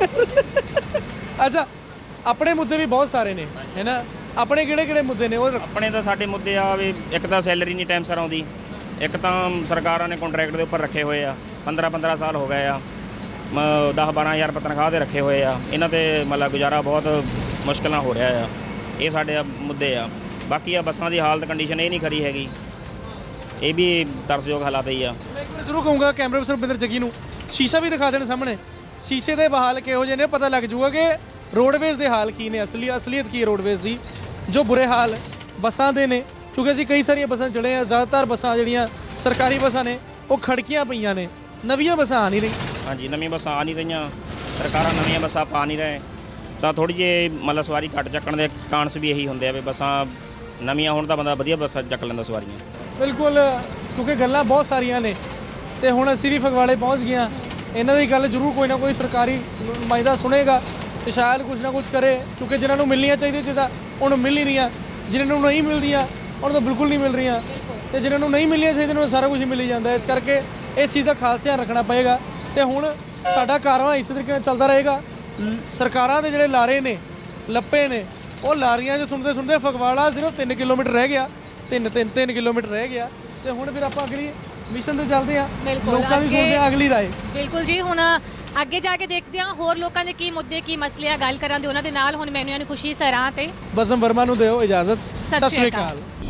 Speaker 6: ਅੱਛਾ, ਆਪਣੇ ਮੁੱਦੇ ਵੀ ਬਹੁਤ ਸਾਰੇ ਨੇ, ਹੈ ਨਾ? ਆਪਣੇ ਕਿਹੜੇ ਮੁੱਦੇ ਨੇ? ਉਹ
Speaker 14: ਆਪਣੇ ਤਾਂ ਸਾਡੇ ਮੁੱਦੇ ਆ ਵੀ ਇੱਕ ਤਾਂ ਸੈਲਰੀ ਨਹੀਂ ਟਾਈਮ ਸਿਰ ਆਉਂਦੀ, ਇੱਕ ਤਾਂ ਸਰਕਾਰਾਂ ਨੇ ਕੰਟਰੈਕਟ ਦੇ ਉੱਪਰ ਰੱਖੇ ਹੋਏ ਆ, 15 ਸਾਲ ਹੋ ਗਏ ਆ, 10-12 ਹਜ਼ਾਰ ਰੁਪਏ ਤਨਖਾਹ ਦੇ ਰੱਖੇ ਹੋਏ ਆ। ਇਹਨਾਂ ਤੇ ਮਤਲਬ ਗੁਜ਼ਾਰਾ ਬਹੁਤ ਮੁਸ਼ਕਿਲ ਨਾਲ ਹੋ ਰਿਹਾ ਆ। ਇਹ ਸਾਡੇ ਮੁੱਦੇ ਆ। ਬਾਕੀ ਆ ਬੱਸਾਂ ਦੀ ਹਾਲਤ ਕੰਡੀਸ਼ਨ ਇਹ ਨਹੀਂ ਖਰੀ ਹੈਗੀ, ਇਹ ਵੀ ਤਰਸਯੋਗ ਹਾਲਾਤ ਹੀ ਆ।
Speaker 6: ਮੈਂ ਇੱਕ ਵਾਰ ਜ਼ਰੂਰ ਕਹੂੰਗਾ ਕੈਮਰਾ ਪਰਸਨ ਰੁਪਿੰਦਰ ਜੱਗੀ ਨੂੰ ਸ਼ੀਸ਼ਾ ਵੀ ਦਿਖਾ ਦੇਣ ਸਾਹਮਣੇ, ਸ਼ੀਸ਼ੇ ਦੇ ਬਹਾਲ ਕਿਹੋ ਜਿਹੇ ਨੇ, ਪਤਾ ਲੱਗ ਜੂਗਾ ਕਿ ਰੋਡਵੇਜ਼ ਦੇ ਹਾਲ ਕੀ ਨੇ, ਅਸਲੀਅਤ ਕੀ ਹੈ ਰੋਡਵੇਜ਼ ਦੀ। ਜੋ ਬੁਰੇ ਹਾਲ ਬੱਸਾਂ ਦੇ ਨੇ, ਕਿਉਂਕਿ ਅਸੀਂ ਕਈ ਸਾਰੀਆਂ ਬੱਸਾਂ ਚੜ੍ਹੇ ਆ, ਜ਼ਿਆਦਾਤਰ ਬੱਸਾਂ ਜਿਹੜੀਆਂ ਸਰਕਾਰੀ ਬੱਸਾਂ ਨੇ ਉਹ ਖੜਕੀਆਂ ਪਈਆਂ ਨੇ, ਨਵੀਆਂ ਬੱਸਾਂ ਆ ਨਹੀਂ ਰਹੀਆਂ।
Speaker 14: ਹਾਂਜੀ, ਨਵੀਆਂ ਬੱਸਾਂ ਆ ਨਹੀਂ ਰਹੀਆਂ, ਸਰਕਾਰਾਂ ਨਵੀਆਂ ਬੱਸਾਂ ਪਾ ਨਹੀਂ ਰਹੇ, ਤਾਂ ਥੋੜ੍ਹੀ ਜਿਹੀ ਮਤਲਬ ਸਵਾਰੀ ਘੱਟ ਚੱਕਣ ਦੇ ਕਾਰਨਸ ਵੀ ਇਹੀ ਹੁੰਦੇ ਆ ਵੀ ਬੱਸਾਂ ਨਵੀਆਂ ਹੋਣ ਤਾਂ ਬੰਦਾ ਵਧੀਆ ਬੱਸਾਂ ਚੱਕ ਲੈਂਦਾ ਸਵਾਰੀਆਂ।
Speaker 6: ਬਿਲਕੁਲ, ਕਿਉਂਕਿ ਗੱਲਾਂ ਬਹੁਤ ਸਾਰੀਆਂ ਨੇ ਤੇ ਹੁਣ ਅਸੀਂ ਵੀ ਫਗਵਾੜੇ ਪਹੁੰਚ ਗਏ ਹਾਂ। ਇਹਨਾਂ ਦੀ ਗੱਲ ਜ਼ਰੂਰ ਕੋਈ ਨਾ ਕੋਈ ਸਰਕਾਰੀ ਨੁਮਾਇੰਦਾ ਸੁਣੇਗਾ ਤੇ ਸ਼ਾਇਦ ਕੁਝ ਨਾ ਕੁਝ ਕਰੇ, ਕਿਉਂਕਿ ਜਿਨ੍ਹਾਂ ਨੂੰ ਮਿਲਣੀਆਂ ਚਾਹੀਦੀਆਂ ਚੀਜ਼ਾਂ ਉਹਨੂੰ ਮਿਲ ਨਹੀਂ ਰਹੀਆਂ, ਜਿਨ੍ਹਾਂ ਨੂੰ ਨਹੀਂ ਮਿਲਦੀਆਂ ਉਹਨਾਂ ਨੂੰ ਬਿਲਕੁਲ ਨਹੀਂ ਮਿਲ ਰਹੀਆਂ ਤੇ ਜਿਨ੍ਹਾਂ ਨੂੰ ਨਹੀਂ ਮਿਲਣੀਆਂ ਚਾਹੀਦੀਆਂ ਉਹਨਾਂ ਨੂੰ ਸਾਰਾ ਕੁਝ ਹੀ ਮਿਲ ਜਾਂਦਾ। ਇਸ ਕਰਕੇ ਇਸ ਚੀਜ਼ ਦਾ ਖਾਸ ਧਿਆਨ ਰੱਖਣਾ ਪਏਗਾ ਤੇ ਹੁਣ ਸਾਡਾ ਕਾਰਵਾਂ ਇਸੇ ਤਰੀਕੇ ਨਾਲ ਚੱਲਦਾ ਰਹੇਗਾ। ਸਰਕਾਰਾਂ ਦੇ ਜਿਹੜੇ ਲਾਰੇ ਨੇ ਲੱਪੇ ਨੇ ਉਹ ਲਾਰੀਆਂ 'ਚ ਸੁਣਦੇ ਸੁਣਦੇ ਫਗਵਾੜਾ ਸਿਰਫ 3 ਕਿਲੋਮੀਟਰ ਰਹਿ ਗਿਆ, 3 ਕਿਲੋਮੀਟਰ ਰਹਿ ਗਿਆ ਤੇ ਹੁਣ ਫਿਰ ਆਪਾਂ ਅਗਲੀ ਮਿਸ਼ਨ ਤੇ ਚੱਲਦੇ ਆ, ਲੋਕਾਂ ਦੀ ਸੁਣਦੇ ਆ ਅਗਲੀ ਰਾਏ।
Speaker 7: ਬਿਲਕੁਲ ਜੀ, ਹੁਣ ਅੱਗੇ ਜਾ ਕੇ ਦੇਖਦੇ ਹਾਂ ਹੋਰ ਲੋਕਾਂ ਦੇ ਕੀ ਮੁੱਦੇ ਕੀ ਮਸਲੇ ਆ, ਗੱਲ ਕਰਾਂਗੇ ਉਹਨਾਂ ਦੇ ਨਾਲ। ਹੁਣ ਮੈਨੂੰ ਖੁਸ਼ੀ ਸਰਾਂ ਤੇ
Speaker 6: ਬਸਮ ਵਰਮਾ ਨੂੰ ਦਿਓ ਇਜਾਜ਼ਤ।
Speaker 7: ਸਤਿ ਸ਼੍ਰੀ ਅਕਾਲ।